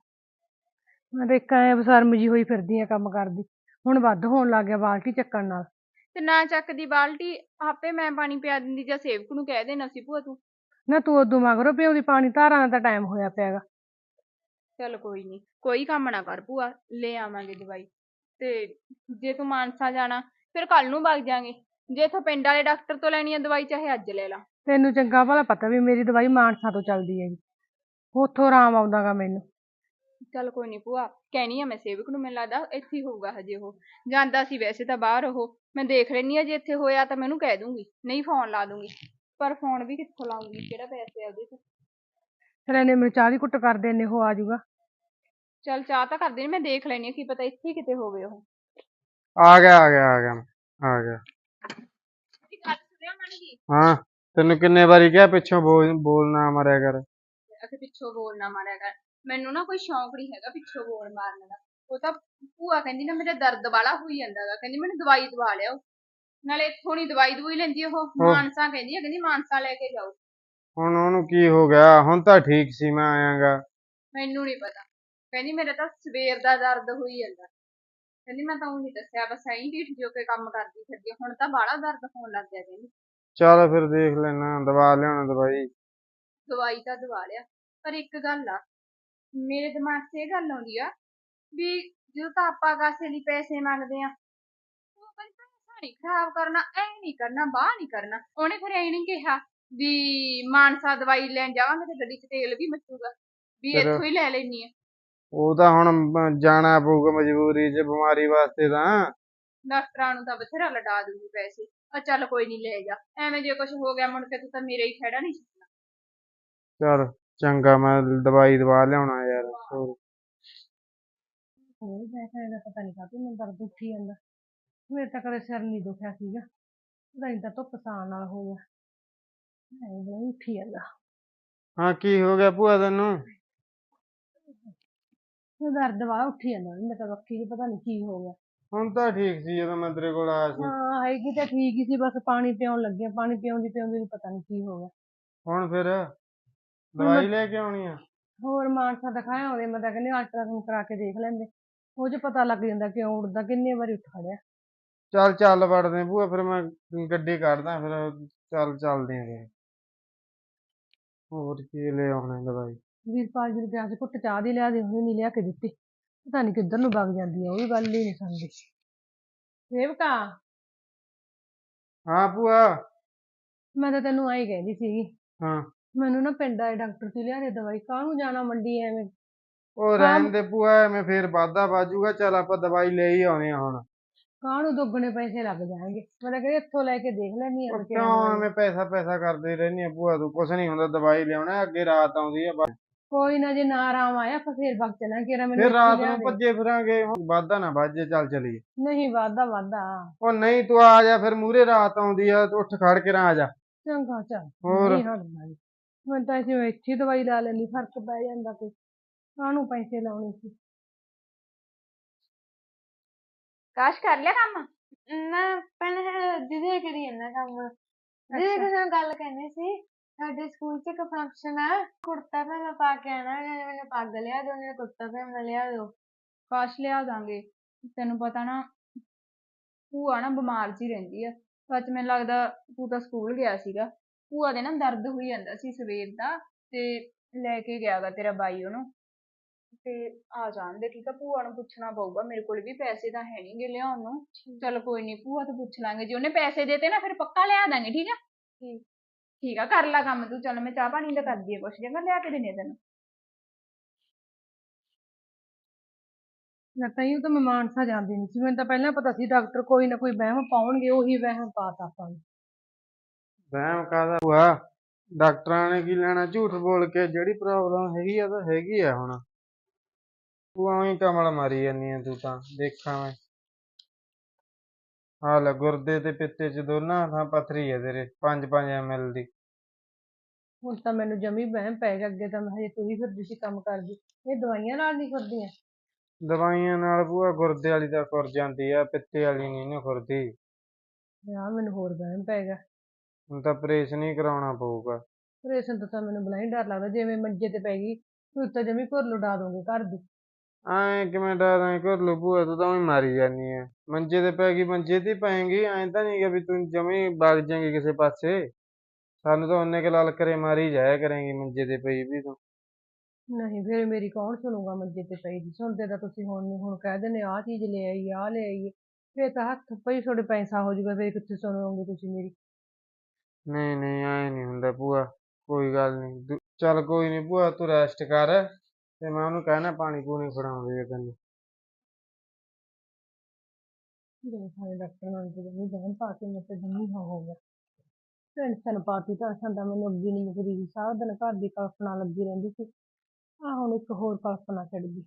[SPEAKER 1] ਮੈਂ ਤਾਂ ਇੱਕ ਐਂ ਬਸਰਮ ਜੀ ਹੋਈ ਫਿਰਦੀ ਆ ਕੰਮ ਕਰਦੀ, ਹੁਣ ਵੱਧ ਹੋਣ ਲੱਗ ਗਿਆ ਬਾਲਟੀ ਚੱਕਣ ਨਾਲ।
[SPEAKER 3] ਤੇ ਨਾ ਚੱਕਦੀ ਬਾਲਟੀ, ਆਪੇ ਮੈਂ ਪਾਣੀ ਪਿਆ ਦਿੰਦੀ ਜਾਂ ਸੇਵਕ ਨੂੰ ਕਹਿ ਦੇਣਾ ਸੀ ਭੂਆ ਤੂੰ।
[SPEAKER 1] ਨਾ ਤੂੰ ਉਦੋਂ ਮਗਰੋਂ ਪਿਆਉਂਦੀ ਪਾਣੀ, ਧਾਰਾਂ ਦਾ ਤਾਂ ਟਾਈਮ ਹੋਇਆ ਪਿਆ ਗਾ।
[SPEAKER 3] ਚੱਲ ਕੋਈ ਨੀ, ਕੋਈ ਕੰਮ ਨਾ ਕਰ ਭੂਆ, ਲੈ ਆਵਾਂਗੇ ਦਵਾਈ। ਤੇ ਜੇ ਤੂੰ ਮਾਨਸਾ ਜਾਣਾ ਫਿਰ ਕੱਲ ਨੂੰ ਵਗ ਜਾਾਂਗੇ। ਜੇ ਇੱਥੋਂ ਪਿੰਡ ਵਾਲੇ ਡਾਕਟਰ ਤੋਂ ਲੈਣੀ ਆ ਦਵਾਈ, ਚਾਹੇ ਅੱਜ ਲੈ ਲਾ।
[SPEAKER 1] ਤੈਨੂੰ ਚੰਗਾ ਭਲਾ ਪਤਾ ਵੀ ਮੇਰੀ ਦਵਾਈ ਮਾਨਸਾ ਤੋਂ ਚੱਲਦੀ ਹੈਗੀ, ਉੱਥੋਂ ਆਰਾਮ ਆਉਂਦਾ ਗਾ ਮੈਨੂੰ।
[SPEAKER 3] ਚੱਲ ਕੋਈ ਨੀ ਭੂਆ, ਕਹਿਣੀ ਆ ਮੈਂ ਸੇਵਕ ਨੂੰ, ਮੈਨੂੰ ਲੱਗਦਾ ਇੱਥੇ ਹੀ ਹੋਊਗਾ ਹਜੇ, ਉਹ ਜਾਂਦਾ ਸੀ ਵੈਸੇ ਤਾਂ ਬਾਹਰ। ਉਹ ਮੈਂ ਦੇਖ ਲੈਣੀ ਆ, ਜੇ ਇੱਥੇ ਹੋਇਆ ਤਾਂ ਮੈਨੂੰ ਕਹਿ ਦੂੰਗੀ, ਨਹੀਂ ਫੋਨ ਲਾ ਦੂੰਗੀ। ਪਰ ਫੋਨ ਵੀ ਕਿੱਥੋਂ ਲਾਉਂਗੀ, ਕਿਹੜਾ ਪੈਸੇ ਆ ਉਹਦੇ ਚ।
[SPEAKER 1] ਫਿਰ ਇਹਨੇ ਮੈਨੂੰ ਚਾਹ ਦੀ ਕੁੱਟ ਕਰ ਦੇ, ਇੰਨੇ ਉਹ ਆ ਜਾਊਗਾ।
[SPEAKER 3] ਚੱਲ ਚਾਹ ਤਾਂ ਕਰਦੀ ਨੀ, ਮੈਂ ਦੇਖ ਲੈਣੀ ਆ, ਕੀ ਪਤਾ ਇੱਥੇ ਹੀ ਕਿਤੇ ਹੋਵੇ ਉਹ।
[SPEAKER 2] ਆ ਗਿਆ ਆ ਗਿਆ ਆ ਗਿਆ ਆ ਗਿਆ।
[SPEAKER 3] ਗੱਲ ਸੁਣਿਆ ਮਨ ਜੀ।
[SPEAKER 2] ਹਾਂ, ਤੈਨੂੰ ਕਿੰਨੇ ਵਾਰੀ ਕਿਹਾ ਪਿੱਛੋਂ ਬੋਲ ਨਾ ਮਾਰਿਆ ਕਰ।
[SPEAKER 3] ਅਖੇ ਪਿੱਛੋਂ ਬੋਲ ਨਾ ਮਾਰਿਆ ਕਰ, ਮੈਨੂੰ ਨਾ ਕੋਈ ਸ਼ੌਂਕ ਨਹੀਂ ਹੈਗਾ ਪਿੱਛੋਂ ਬੋਲ ਮਾਰਨ ਦਾ। ਉਹ ਤਾਂ ਭੂਆ ਕਹਿੰਦੀ ਨਾ ਮੇਰਾ ਦਰਦ ਵਾਲਾ ਹੋਈ ਜਾਂਦਾ ਗਾ, ਕਹਿੰਦੀ ਮੈਨੂੰ ਦਵਾਈ ਦਵਾ ਲਿਆਓ। ਨਾਲੇ ਇੱਥੋਂ ਨੀ ਦਵਾਈ ਦਵੂਈ ਲੈਂਦੀ ਉਹ, ਮਾਨਸਾ ਕਹਿੰਦੀ ਆ, ਕਹਿੰਦੀ ਮਾਨਸਾ ਲੈ ਕੇ ਜਾਓ।
[SPEAKER 2] ਹੁਣ ਉਹਨੂੰ ਕੀ ਹੋ ਗਿਆ? ਹੁਣ ਤਾਂ ਠੀਕ ਸੀ, ਮੈਂ ਆਇਆਗਾ।
[SPEAKER 3] ਮੈਨੂੰ ਨੀ ਪਤਾ, ਕਹਿੰਦੀ ਮੇਰਾ ਤਾਂ ਸਵੇਰ ਦਾ ਦਰਦ ਹੋਈ ਜਾਂਦਾ। ਕਹਿੰਦੀ ਮੈਂ ਤਾਂ ਉਹੀ ਦੱਸਿਆ, ਬਸ ਐਂ ਢੀਠ ਜੋ ਕੇ ਕੰਮ ਕਰਦੀ ਫਿਰਦੀ, ਹੁਣ ਤਾਂ ਬਾਹਲਾ ਦਰਦ ਹੋਣ ਲੱਗ ਗਿਆ ਕਹਿੰਦੀ।
[SPEAKER 2] ਚੱਲ ਫਿਰ ਦੇਖ ਲੈਣਾ, ਦਵਾ ਲਿਆਉਣਾ ਦਵਾਈ।
[SPEAKER 3] ਦਵਾਈ ਤਾਂ ਦਵਾ ਲਿਆ, ਪਰ ਇੱਕ ਗੱਲ ਆ ਮੇਰੇ ਦਿਮਾਗ 'ਚ ਇਹ ਗੱਲ ਆਉਂਦੀ ਆ ਵੀ ਜਦੋਂ ਤਾਂ ਆਪਾਂ ਕਾਸੇ ਲਈ ਪੈਸੇ ਮੰਗਦੇ ਆ, ਉਹ ਕਹਿੰਦੀ ਪੈਸਾ ਨੀ ਖਰਾਬ ਕਰਨਾ, ਐ ਨੀ ਕਰਨਾ, ਬਾਹ ਨੀ ਕਰਨਾ। ਉਹਨੇ ਫਿਰ ਐ ਨੀ ਕਿਹਾ ਵੀ ਮਾਨਸਾ ਦਵਾਈ ਲੈਣ ਜਾਵਾਂਗੇ ਤੇ ਗੱਡੀ 'ਚ ਤੇਲ ਵੀ ਮਚੂਗਾ, ਵੀ
[SPEAKER 2] ਫਿਰ
[SPEAKER 3] ਇੱਥੋਂ ਹੀ ਲੈ ਲੈਣੀ ਆ।
[SPEAKER 2] ਉਹ ਤਾਂ ਹੁਣ ਜਾਣਾ ਪਊਗਾ ਮਜਬੂਰੀ 'ਚ, ਬਿਮਾਰੀ ਵਾਸਤੇ ਤਾਂ।
[SPEAKER 3] ਡਾਕਟਰਾਂ ਨੂੰ ਤਾਂ ਬਥੇਰਾ ਲਟਾ ਦੂਗੀ ਪੈਸੇ। ਆ ਚੱਲ ਕੋਈ ਨੀ ਲੈ ਜਾ, ਐਵੇਂ ਜੇ ਕੁਛ ਹੋ ਗਿਆ ਮੁੜ ਕੇ ਤੂੰ ਤਾਂ ਮੇਰਾ ਹੀ ਖਹਿੜਾ ਨੀ ਛੱਡਣਾ।
[SPEAKER 2] ਚੱਲ ਚੰਗਾ, ਮੈਂ ਦਵਾਈ ਦਵਾ ਲਿਆਉਣਾ ਯਾਰ। ਹੋਰ
[SPEAKER 1] ਹੋਰ ਪੈਸੇ ਦਾ ਪਤਾ ਨੀ ਕਾਹਤੋਂ ਮੈਨੂੰ ਦਰਦ ਉੱਠੀ ਜਾਂਦਾ। ਮੇਰੇ ਤਾਂ ਕਦੇ ਸਿਰ ਨੀ ਦੁਖਿਆ ਸੀਗਾ, ਪਤਾ ਨੀ ਤਾਂ ਧੁੱਪ ਸਾਣ ਨਾਲ ਹੋ ਗਿਆ, ਐਂ ਉੱਠੀ ਜਾਂਦਾ।
[SPEAKER 2] ਹਾਂ, ਕੀ ਹੋ ਗਿਆ ਭੂਆ ਤੈਨੂੰ?
[SPEAKER 1] ਦਰਦ ਵਾਲਾ ਉੱਠੀ ਜਾਂਦਾ ਮੇਰੇ ਤਾਂ ਬੱਖੀ 'ਚ, ਪਤਾ ਨੀ ਕੀ ਹੋ ਗਿਆ।
[SPEAKER 2] ਹੁਣ ਤਾਂ ਠੀਕ ਸੀ ਜਦੋਂ ਮੈਂ ਤੇਰੇ ਕੋਲ ਆਇਆ ਸੀ।
[SPEAKER 1] ਹਾਂ ਹੈਗੀ ਤਾਂ ਠੀਕ ਹੀ ਸੀ, ਬਸ ਪਾਣੀ ਪਿਆਉਣ ਲੱਗੇ, ਪਾਣੀ ਪਿਆਉਂਦੀ ਪਿਆਉਂਦੀ ਨੂੰ ਪਤਾ ਨੀ ਕੀ ਹੋ ਗਿਆ।
[SPEAKER 2] ਹੁਣ ਫਿਰ
[SPEAKER 1] ਹੁਣ ਮੈਂ
[SPEAKER 2] ਦਵਾਈ ਲੈ ਕੇ ਆਉਣੀ ਆ?
[SPEAKER 1] ਹੋਰ ਮਾਨਸਾ ਦਿਖਾਇਆ ਆਉਂਦੇ, ਮੈਂ ਤਾਂ ਕਹਿੰਦੀ ਅਲਟਰਾਸਾਊਂਡ ਕਰਾ ਕੇ ਦੇਖ ਲੈਂਦੇ, ਉਹ 'ਚ ਪਤਾ ਲੱਗ ਜਾਂਦਾ ਕਿਉਂ ਉੱਠਦਾ, ਕਿੰਨੇ ਵਾਰੀ ਉੱਠ ਖੜਿਆ।
[SPEAKER 2] ਚੱਲ ਚੱਲ ਵੜਦੇ ਭੂਆ, ਫਿਰ ਮੈਂ ਗੱਡੀ ਕੱਢਦਾ, ਫਿਰ ਚੱਲਦੇ ਆਂ ਫਿਰ। ਹੋਰ ਕੀ ਲੈ ਆਉਣਾ ਦਵਾਈ।
[SPEAKER 1] ਵੀਰਪਾਲ ਜੀ ਨੂੰ ਕਿਹਾ ਸੀ ਘੁੱਟ ਚਾਹ ਦੀ ਲਿਆ ਦੇ, ਉਹਨੇ ਨਹੀਂ ਲਿਆ ਕੇ ਦਿੱਤੀ। ਪਤਾ ਨਹੀਂ ਕਿੱਧਰ ਨੂੰ ਵਗ ਜਾਂਦੀ ਆ, ਉਹ ਵੀ ਗੱਲ ਹੀ ਨਹੀਂ ਸੁਣਦੀ। ਸੇਵਕਾ,
[SPEAKER 2] ਹਾਂ ਭੂਆ।
[SPEAKER 1] ਮੈਂ ਤਾਂ ਤੈਨੂੰ ਆਈ ਕਹਿੰਦੀ ਸੀਗੀ,
[SPEAKER 2] ਹਾਂ।
[SPEAKER 1] ਮੈਨੂੰ ਨਾ ਪਿੰਡ ਵਾਲੇ ਡਾਕਟਰ ਤੋਂ ਲਿਆ ਦੇ ਦਵਾਈ। ਕਾਹਨੂੰ ਜਾਣਾ ਮੰਡੀ ਐਵੇਂ।
[SPEAKER 2] ਉਹ
[SPEAKER 1] ਹਾਂ,
[SPEAKER 2] ਰਹਿਣ ਦੇ ਭੂਆ, ਐਵੇਂ ਫੇਰ ਵਾਧਾ ਬਾਜੂਗਾ। ਚੱਲ ਆਪਾਂ ਦਵਾਈ ਲੈ ਹੀ ਆਉਣੇ ਆ ਹੁਣ।
[SPEAKER 1] ਕਾਹਨੂੰ ਦੁੱਗਣੇ ਪੈਸੇ ਲੱਗ ਜਾਣਗੇ। ਮੈਂ ਤਾਂ ਕਹਿੰਦੀ ਇੱਥੋਂ ਲੈ ਕੇ ਦੇਖ ਲੈਣੀ ਆ
[SPEAKER 2] ਉਹ
[SPEAKER 1] ਬਥੇਰਾ
[SPEAKER 2] ਕਿਉਂ
[SPEAKER 1] ਦਵਾਈ।
[SPEAKER 2] ਐਵੇਂ ਪੈਸਾ ਪੈਸਾ ਕਰਦੇ ਰਹਿੰਦੀ ਆ ਭੂਆ ਤੂੰ? ਕੁਛ ਨਹੀਂ ਹੁੰਦਾ, ਦਵਾਈ ਲਿਆਉਣਾ। ਅੱਗੇ ਰਾਤ ਆਉਂਦੀ ਆ ਬਸ।
[SPEAKER 1] ਕੋਈ ਨਾ, ਜੇ ਨਾ ਆਰਾਮ ਆਇਆ ਆਪਾਂ ਫੇਰ ਵਗ ਚੱਲਾਂਗੇ। ਮੈਨੂੰ
[SPEAKER 2] ਫਿਰ
[SPEAKER 1] ਇੱਥੇ ਹੀ
[SPEAKER 2] ਰਾਤ
[SPEAKER 1] ਲਿਆ
[SPEAKER 2] ਨੂੰ
[SPEAKER 1] ਦੇ।
[SPEAKER 2] ਭੱਜੇ ਫਿਰਾਂਗੇ। ਹੁਣ ਵਾਧਾ ਨਾ ਬਾਜੇ, ਚੱਲ ਚਲੀਏ।
[SPEAKER 1] ਨਹੀਂ ਵਾਧਾ ਵਾਧਾ।
[SPEAKER 2] ਉਹ ਨਹੀਂ, ਤੂੰ ਆ ਜਾ ਫਿਰ। ਮੂਹਰੇ ਰਾਤ ਆਉਂਦੀ ਆ, ਤੂੰ ਉੱਠ ਖੜ ਕੇ ਨਾ ਆ ਜਾ।
[SPEAKER 1] ਚੰਗਾ ਚੱਲ,
[SPEAKER 2] ਹੋਰ
[SPEAKER 1] ਨਹੀਂ ਹਟਦਾ ਜੀ। ਮੈਂ ਤਾਂ ਇੱਥੇ ਹੀ ਦਵਾਈ ਲਾ ਲੈਂਦੀ, ਫਰਕ ਪੈ ਜਾਂਦਾ। ਕੋਈ ਕਾਹਨੂੰ ਪੈਸੇ ਲਾਉਣੇ ਸੀ।
[SPEAKER 3] ਕਾਸ਼ ਕਰ ਲਿਆ ਕੰਮ? ਨਾ ਪਹਿਲਾਂ ਦੀਦੀ ਕਰੀ ਜਾਂਦਾ ਕੰਮ। ਦੀਦੀ ਕਿਸੇ ਨਾਲ ਗੱਲ ਕਰਨੀ ਸੀ। ਸਾਡੇ ਸਕੂਲ 'ਚ ਇੱਕ ਫੰਕਸ਼ਨ ਆ, ਕੁੜਤਾ ਪਜਾਮਾ ਪਾ ਕੇ ਆਉਣਾ। ਮੈਨੂੰ ਪੱਗ ਲਿਆ ਦਿਓ, ਨਾਲੇ ਕੁੜਤਾ ਪਜਾਮਾ ਲਿਆ ਦਿਓ। ਕਾਸ਼ ਲਿਆ ਦਾਂਗੇ। ਤੈਨੂੰ ਪਤਾ ਨਾ, ਭੂਆ ਨਾ ਬਿਮਾਰ ਜੀ ਰਹਿੰਦੀ ਆ। ਸੱਚ ਮੈਨੂੰ ਲੱਗਦਾ ਤੂੰ ਤਾਂ ਸਕੂਲ ਗਿਆ ਸੀਗਾ। ਭੂਆ ਦੇ ਨਾ ਦਰਦ ਹੋਈ ਜਾਂਦਾ ਸੀ ਸਵੇਰ ਦਾ, ਤੇ ਲੈ ਕੇ ਗਿਆ ਗਾ ਤੇਰਾ ਬਾਈ ਉਹਨੂੰ। ਤੇ ਆ ਜਾਣ ਦੇ, ਠੀਕ ਆ। ਭੂਆ ਨੂੰ ਪੁੱਛਣਾ ਪਊਗਾ, ਮੇਰੇ ਕੋਲ ਵੀ ਪੈਸੇ ਤਾਂ ਹੈ ਨੀ ਗੇ ਲਿਆਉਣ ਨੂੰ। ਚੱਲ ਕੋਈ ਨੀ, ਭੂਆ ਤੋਂ ਪੁੱਛ ਲਾਂਗੇ। ਜੇ ਉਹਨੇ ਪੈਸੇ ਦੇਤੇ ਨਾ ਫਿਰ ਪੱਕਾ ਲਿਆ ਦਾਂਗੇ, ਠੀਕ ਆ। ਠੀਕ ਆ, ਕਰ ਲਾ ਕੰਮ ਤੂੰ। ਚੱਲ ਮੈਂ ਚਾਹ ਪਾਣੀ ਦਾ ਕਰਦੀ ਆ ਕੁਛ, ਚੰਗਾ ਲਿਆ ਕੇ ਦਿੰਦੀ ਆ ਤੈਨੂੰ।
[SPEAKER 1] ਮੈਂ ਤਾਂ ਮੈਂ ਮਾਨਸਾ ਜਾਂਦੀ ਨਹੀਂ ਸੀ। ਮੈਨੂੰ ਤਾਂ ਪਹਿਲਾਂ ਪਤਾ ਸੀ ਡਾਕਟਰ ਕੋਈ ਨਾ ਕੋਈ ਵਹਿਮ ਪਾਉਣਗੇ, ਉਹੀ ਵਹਿਮ ਪਾਤਾ ਆਪਾਂ ਨੂੰ।
[SPEAKER 2] ਵਹਿਮ ਕਾਹਦਾ ਭੂਆ? ਡਾਕਟਰਾਂ ਨੇ ਕੀ ਲੈਣਾ ਝੂਠ ਬੋਲ ਕੇ? ਜਿਹੜੀ ਪ੍ਰੋਬਲਮ ਹੈਗੀ ਆ ਤਾਂ ਹੈਗੀ ਆ ਹੁਣ। ਤੂੰ ਐਵੇਂ ਕਮਲ ਮਾਰੀ ਜਾਂਦੀ ਆ। ਤੂੰ ਤਾਂ ਦੇਖਾਂ ਮੈਂ। ਹਾਲ ਆ, ਗੁਰਦੇ ਤੇ ਪਿੱਤੇ 'ਚ ਦੋਨਾਂ ਥਾਂ ਪੱਥਰੀ ਆ ਤੇਰੇ, 5-5 ml ਦੀ।
[SPEAKER 1] ਹੁਣ ਤਾਂ ਮੈਨੂੰ ਜਮੀ ਵਹਿਮ ਪੈ ਗਿਆ। ਅੱਗੇ ਤਾਂ ਮੈਂ ਹਜੇ ਤੂੰ ਹੀ ਫਿਰਦੀ ਸੀ ਕੰਮ ਕਰਦੀ। ਇਹ ਦਵਾਈਆਂ ਨਾਲ ਨਹੀਂ ਫਿਰਦੀਆਂ।
[SPEAKER 2] ਦਵਾਈਆਂ ਨਾਲ ਭੂਆ ਗੁਰਦੇ ਵਾਲੀ ਤਾਂ ਖੁਰ ਜਾਂਦੀ ਆ, ਪਿੱਤੇ ਵਾਲੀ ਨਹੀਂ ਨਾ ਖੁਰਦੀ।
[SPEAKER 1] ਯਾਰ ਮੈਨੂੰ ਹੋਰ ਵਹਿਮ ਪੈ ਗਿਆ।
[SPEAKER 2] ਹੁਣ ਤਾਂ ਆਪਰੇਸ਼ਨ ਹੀ ਕਰਾਉਣਾ ਪਊਗਾ।
[SPEAKER 1] ਆਪਰੇਸ਼ਨ ਤੋਂ ਤਾਂ ਮੈਨੂੰ ਬਲਾ ਹੀ ਡਰ ਲੱਗਦਾ। ਜਿਵੇਂ ਮੰਜੇ ਤੇ ਪੈ ਗਈ ਤੂੰ ਤਾਂ ਜਮੀ ਘੁਰ ਉਡਾ ਦੋਗੇ ਘਰ ਦੀ।
[SPEAKER 2] ਐਂ ਕਿਵੇਂ ਡਰਾਂ ਘਰਲੂ ਭੂਆ? ਤੂੰ ਤਾਂ ਉਈਂ ਮਾਰੀ ਜਾਂਦੀ ਆ। ਮੰਜੇ ਤੇ ਪੈ ਗਈ, ਮੰਜੇ ਤੇ ਹੀ ਪਏਂਗੀ। ਐਂ ਤਾਂ ਨਹੀਂ ਗਾ ਵੀ ਤੂੰ ਜਮੀ ਵਗ ਜਾਏਂਗੀ ਕਿਸੇ ਪਾਸੇ। ਸਾਨੂੰ ਤਾਂ ਉਹਨੇ ਕੁ ਲਲਕਰੇ ਮਾਰੀ ਜਾਇਆ ਕਰੇਂਗੀ ਮੰਜੇ ਤੇ ਪਈ ਵੀ ਤੂੰ।
[SPEAKER 1] ਨਹੀਂ ਫਿਰ ਮੇਰੀ ਕੌਣ ਸੁਣੂਗਾ ਮੰਜੇ ਤੇ ਪਈ ਦੀ? ਸੁਣਦੇ ਤਾਂ ਤੁਸੀਂ ਹੁਣ ਨਹੀਂ। ਹੁਣ ਕਹਿ ਦਿੰਦੇ ਆਹ ਚੀਜ਼ ਲੈ ਆਈ, ਆਹ ਲੈ ਆਈਏ। ਫਿਰ ਤਾਂ ਹੱਥ ਪਈ ਤੁਹਾਡੇ ਪੈਸਾ ਹੋ ਜਾਊਗਾ। ਫਿਰ ਕਿੱਥੇ ਸੁਣੋਗੇ ਤੁਸੀਂ ਮੇਰੀ?
[SPEAKER 2] ਨਹੀਂ ਨਹੀਂ, ਐਂ ਨਹੀਂ ਹੁੰਦਾ ਭੂਆ। ਕੋਈ ਗੱਲ ਨਹੀਂ। ਚੱਲ ਕੋਈ ਨਹੀਂ ਭੂਆ, ਤੂੰ ਰੈਸਟ ਕਰ। ਤੇ ਮੈਂ ਉਹਨੂੰ ਕਹਿਣਾ ਪਾਣੀ ਪੂਣੀ ਫੜਾਉਂਦੇ ਆ ਤੈਨੂੰ।
[SPEAKER 1] ਸਾਰੇ ਡਾਕਟਰ ਨਾਲ ਜਮੀ ਵਹਿਮ ਪਾ ਕੇ ਮੈਂ ਤਾਂ ਜਮੀ ਹੋ ਗਿਆ। ਟੈਨਸ਼ਨ ਪਾਤੀ। ਟੈਨਸ਼ਨ ਤਾਂ ਮੈਨੂੰ ਅੱਗੇ ਨਹੀਂ ਮੁੱਕਦੀ ਸੀ। ਸਾਰਾ ਦਿਨ ਘਰ ਦੀ ਕਲਪਨਾ ਲੱਗੀ ਰਹਿੰਦੀ ਸੀ। ਆਹ ਹੁਣ ਇੱਕ ਹੋਰ ਕਲਪਨਾ ਚੜ ਗਈ।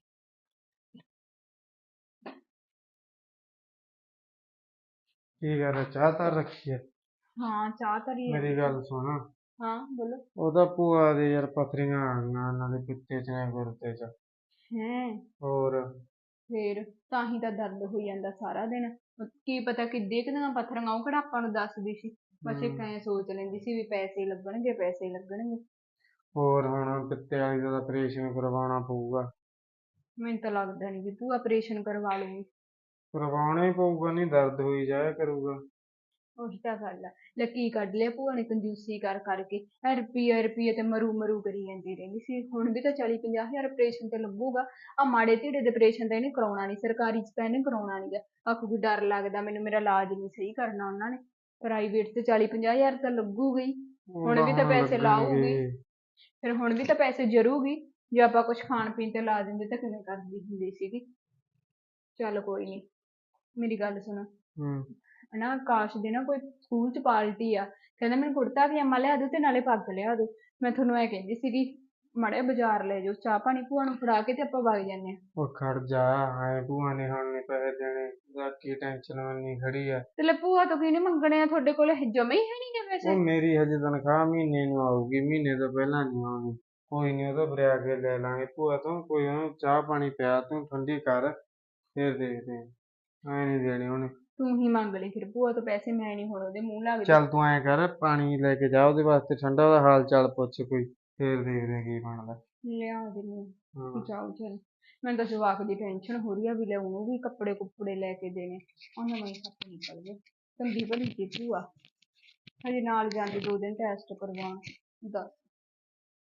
[SPEAKER 2] ਕੀ ਗੱਲ ਹੈ, ਚਾਹ ਤਾਂ ਰੱਖੀ ਹੈ?
[SPEAKER 3] ਹਾਂ, ਚਾਹ ਧਰੀ ਆ।
[SPEAKER 2] ਮੇਰੀ ਗੱਲ ਸੁਣ।
[SPEAKER 3] ਹਾਂ ਬੋਲੋ।
[SPEAKER 2] ਉਹਦਾ ਭੂਆ ਦੇ ਯਾਰ ਪੱਥਰੀਆਂ ਆ ਗਈਆਂ, ਉਹਨਾਂ ਦੇ ਪਿੱਤੇ 'ਚ ਨੇ ਗੁਰਦੇ 'ਚ।
[SPEAKER 3] ਹੈਂ?
[SPEAKER 2] ਹੋਰ।
[SPEAKER 3] ਫੇਰ ਤਾਂ ਹੀ ਤਾਂ ਦਰਦ ਹੋਈ ਜਾਂਦਾ ਸਾਰਾ ਦਿਨ। ਕੀ ਪਤਾ ਕਿੱਡੇ ਕੁ ਦੀਆਂ ਪੱਥਰੀਆਂ, ਉਹ ਕਿਹੜਾ ਆਪਾਂ ਨੂੰ ਦੱਸਦੀ ਸੀ। ਬਸ ਇੱਕ ਐਂ ਸੋਚ ਲੈਂਦੀ ਸੀ ਵੀ ਪੈਸੇ ਲੱਗਣਗੇ, ਪੈਸੇ ਲੱਗਣਗੇ।
[SPEAKER 2] ਹੋਰ ਹੁਣ ਪਿੱਤੇ ਵਾਲੀ ਦਾ ਆਪਰੇਸ਼ਨ ਕਰਵਾਉਣਾ ਪਊਗਾ।
[SPEAKER 3] ਮੈਨੂੰ ਤਾਂ ਲੱਗਦਾ ਨੀ ਵੀ ਭੂਆ ਆਪਰੇਸ਼ਨ ਕਰਵਾ ਲੂਗੀ।
[SPEAKER 2] ਕਰਵਾਉਣਾ ਹੀ ਪਊਗਾ, ਨਹੀਂ ਦਰਦ ਹੋਈ ਜਾਇਆ ਕਰੂਗਾ।
[SPEAKER 3] ਉਹੀ ਤਾਂ ਗੱਲ ਆ। ਲੈ ਕੀ ਕੱਢ ਲਿਆ ਭੂਆ ਨੇ ਕੰਜੂਸੀ ਕਰ ਕਰਕੇ। ਰੁਪਈਏ ਰੁਪਈਏ ਤੇ ਮਰੂ ਮਰੂ ਕਰੀ ਜਾਂਦੀ ਰਹਿੰਦੀ ਸੀ। ਹੁਣ ਵੀ ਤਾਂ 40-50 ਹਜ਼ਾਰ ਆਪਰੇਸ਼ਨ ਤੇ ਲੱਗੂਗਾ। ਆ ਮਾੜੇ ਧੀੜੇ ਦੇ ਆਪਰੇਸ਼ਨ ਤਾਂ ਇਹਨੇ ਕਰਾਉਣਾ ਨੀ, ਸਰਕਾਰੀ ਚ ਤਾਂ ਇਹਨੇ ਕਰਾਉਣਾ ਨੀ ਗਾ। ਆਖੂਗੀ ਡਰ ਲੱਗਦਾ ਮੈਨੂੰ, ਮੇਰਾ ਇਲਾਜ ਨੀ ਸਹੀ ਕਰਨਾ ਉਹਨਾਂ ਨੇ। ਪ੍ਰਾਈਵੇਟ ਤੇ 40-50 ਹਜ਼ਾਰ ਤਾਂ ਲੱਗੂਗਾ ਹੀ। ਹੁਣ ਵੀ ਤਾਂ ਪੈਸੇ ਲਾਊਗੀ। ਫਿਰ ਹੁਣ ਵੀ ਤਾਂ ਪੈਸੇ ਜਰੂਗੀ। ਜੇ ਆਪਾਂ ਕੁਛ ਖਾਣ ਪੀਣ ਤੇ ਲਾ ਦਿੰਦੇ ਤਾਂ ਕਿਵੇਂ ਕਰਦੀ ਹੁੰਦੀ ਸੀਗੀ। ਚੱਲ ਕੋਈ ਨੀ, ਮੇਰੀ ਗੱਲ ਸੁਣ। ਨਾ ਆਕਾਸ਼ ਦੇ ਨਾ ਕੋਈ ਸਕੂਲ ਚ ਪਾਰਟੀ ਆ। ਕਹਿੰਦਾ ਮੈਨੂੰ ਕੁੜਤਾ ਪਜਾਮਾ ਲਿਆ ਦਿਓ ਤੇ ਨਾਲੇ ਪੱਗ ਲਿਆ ਦਿਓ। ਮੈਂ ਤੁਹਾਨੂੰ ਐ ਕਹਿੰਦੀ ਸੀਗੀ, ਮਾੜਾ ਜਿਹਾ ਬਾਜ਼ਾਰ ਲੈ ਜਾਓ, ਚਾਹ ਪਾਣੀ ਭੂਆ ਨੂੰ ਫੜਾ ਕੇ ਤੇ ਆਪਾਂ ਵਗ ਜਾਂਦੇ ਹਾਂ।
[SPEAKER 2] ਉਹ ਖੜ ਜਾ, ਐ ਭੂਆ ਨੇ ਹੁਣ ਨੀ ਪੈਸੇ ਦੇਣੇ। ਬਾਕੀ ਟੈਨਸ਼ਨ ਮੰਨੀ ਖੜੀ ਆ।
[SPEAKER 3] ਤੇ ਲੈ ਭੂਆ ਤੋਂ ਕਿਹਨੇ ਮੰਗਣੇ ਆ? ਤੁਹਾਡੇ ਕੋਲ ਜਮੇ ਹੀ ਹੈ ਨੀ ਗੇ ਪੈਸੇ।
[SPEAKER 2] ਉਹ ਮੇਰੀ ਹਜੇ ਤਨਖਾਹ ਮਹੀਨੇ ਨੂੰ ਆਊਗੀ, ਮਹੀਨੇ ਤੋਂ ਪਹਿਲਾਂ ਨਹੀਂ ਆਉਣੀ। ਕੋਈ ਨੀ, ਉਹ ਤਾਂ ਵਰਿਆ ਕੇ ਲੈ ਲਾਂਗੇ ਭੂਆ ਤੋਂ। ਕੋਈ ਉਹਨੂੰ ਚਾਹ ਪਾਣੀ ਪਿਆ, ਤੂੰ ਠੰਡੀ ਕਰ, ਫਿਰ ਦੇਖਦੇ ਆਂ। ਐ ਨੀ ਦੇਣੇ ਉਹਨੇ।
[SPEAKER 3] ਤੂੰ ਹੀ ਮੰਗ ਲਈ ਫਿਰ ਭੂਆ ਤੋਂ ਪੈਸੇ, ਮੈਂ ਨੀ ਹੁਣ ਉਹਦੇ ਮੂੰਹ ਲੱਗਦੀ।
[SPEAKER 2] ਚੱਲ ਤੂੰ ਐਂ ਕਰ, ਪਾਣੀ ਲੈ ਕੇ ਜਾ ਉਹਦੇ ਵਾਸਤੇ ਠੰਡਾ, ਉਹਦਾ ਹਾਲ ਚਾਲ ਪੁੱਛ ਕੋਈ, ਫਿਰ ਦੇਖਦੇ ਆਂ ਕੀ ਬਣਦਾ।
[SPEAKER 3] ਲਿਆ ਦਿੰਦੀ ਹਾਂ। ਜਾਓ ਚੱਲ। ਮੈਨੂੰ ਤਾਂ ਜਵਾਕ ਦੀ ਟੈਨਸ਼ਨ ਹੋ ਰਹੀ ਆ ਵੀ ਲੈ ਉਹਨੂੰ ਵੀ ਕੱਪੜੇ ਕੁੱਪੜੇ ਲੈ ਕੇ ਦੇਣੇ। ਉਹਨਾਂ ਨੂੰ ਸੱਪ ਨਿਕਲ ਗਏ। ਚੰਗੀ ਭਲੀ ਸੀ ਭੂਆ, ਹਜੇ ਨਾਲ ਜਾਂਦੀ 2 ਦਿਨ ਟੈਸਟ ਕਰਵਾਉਣ। ਦੱਸ।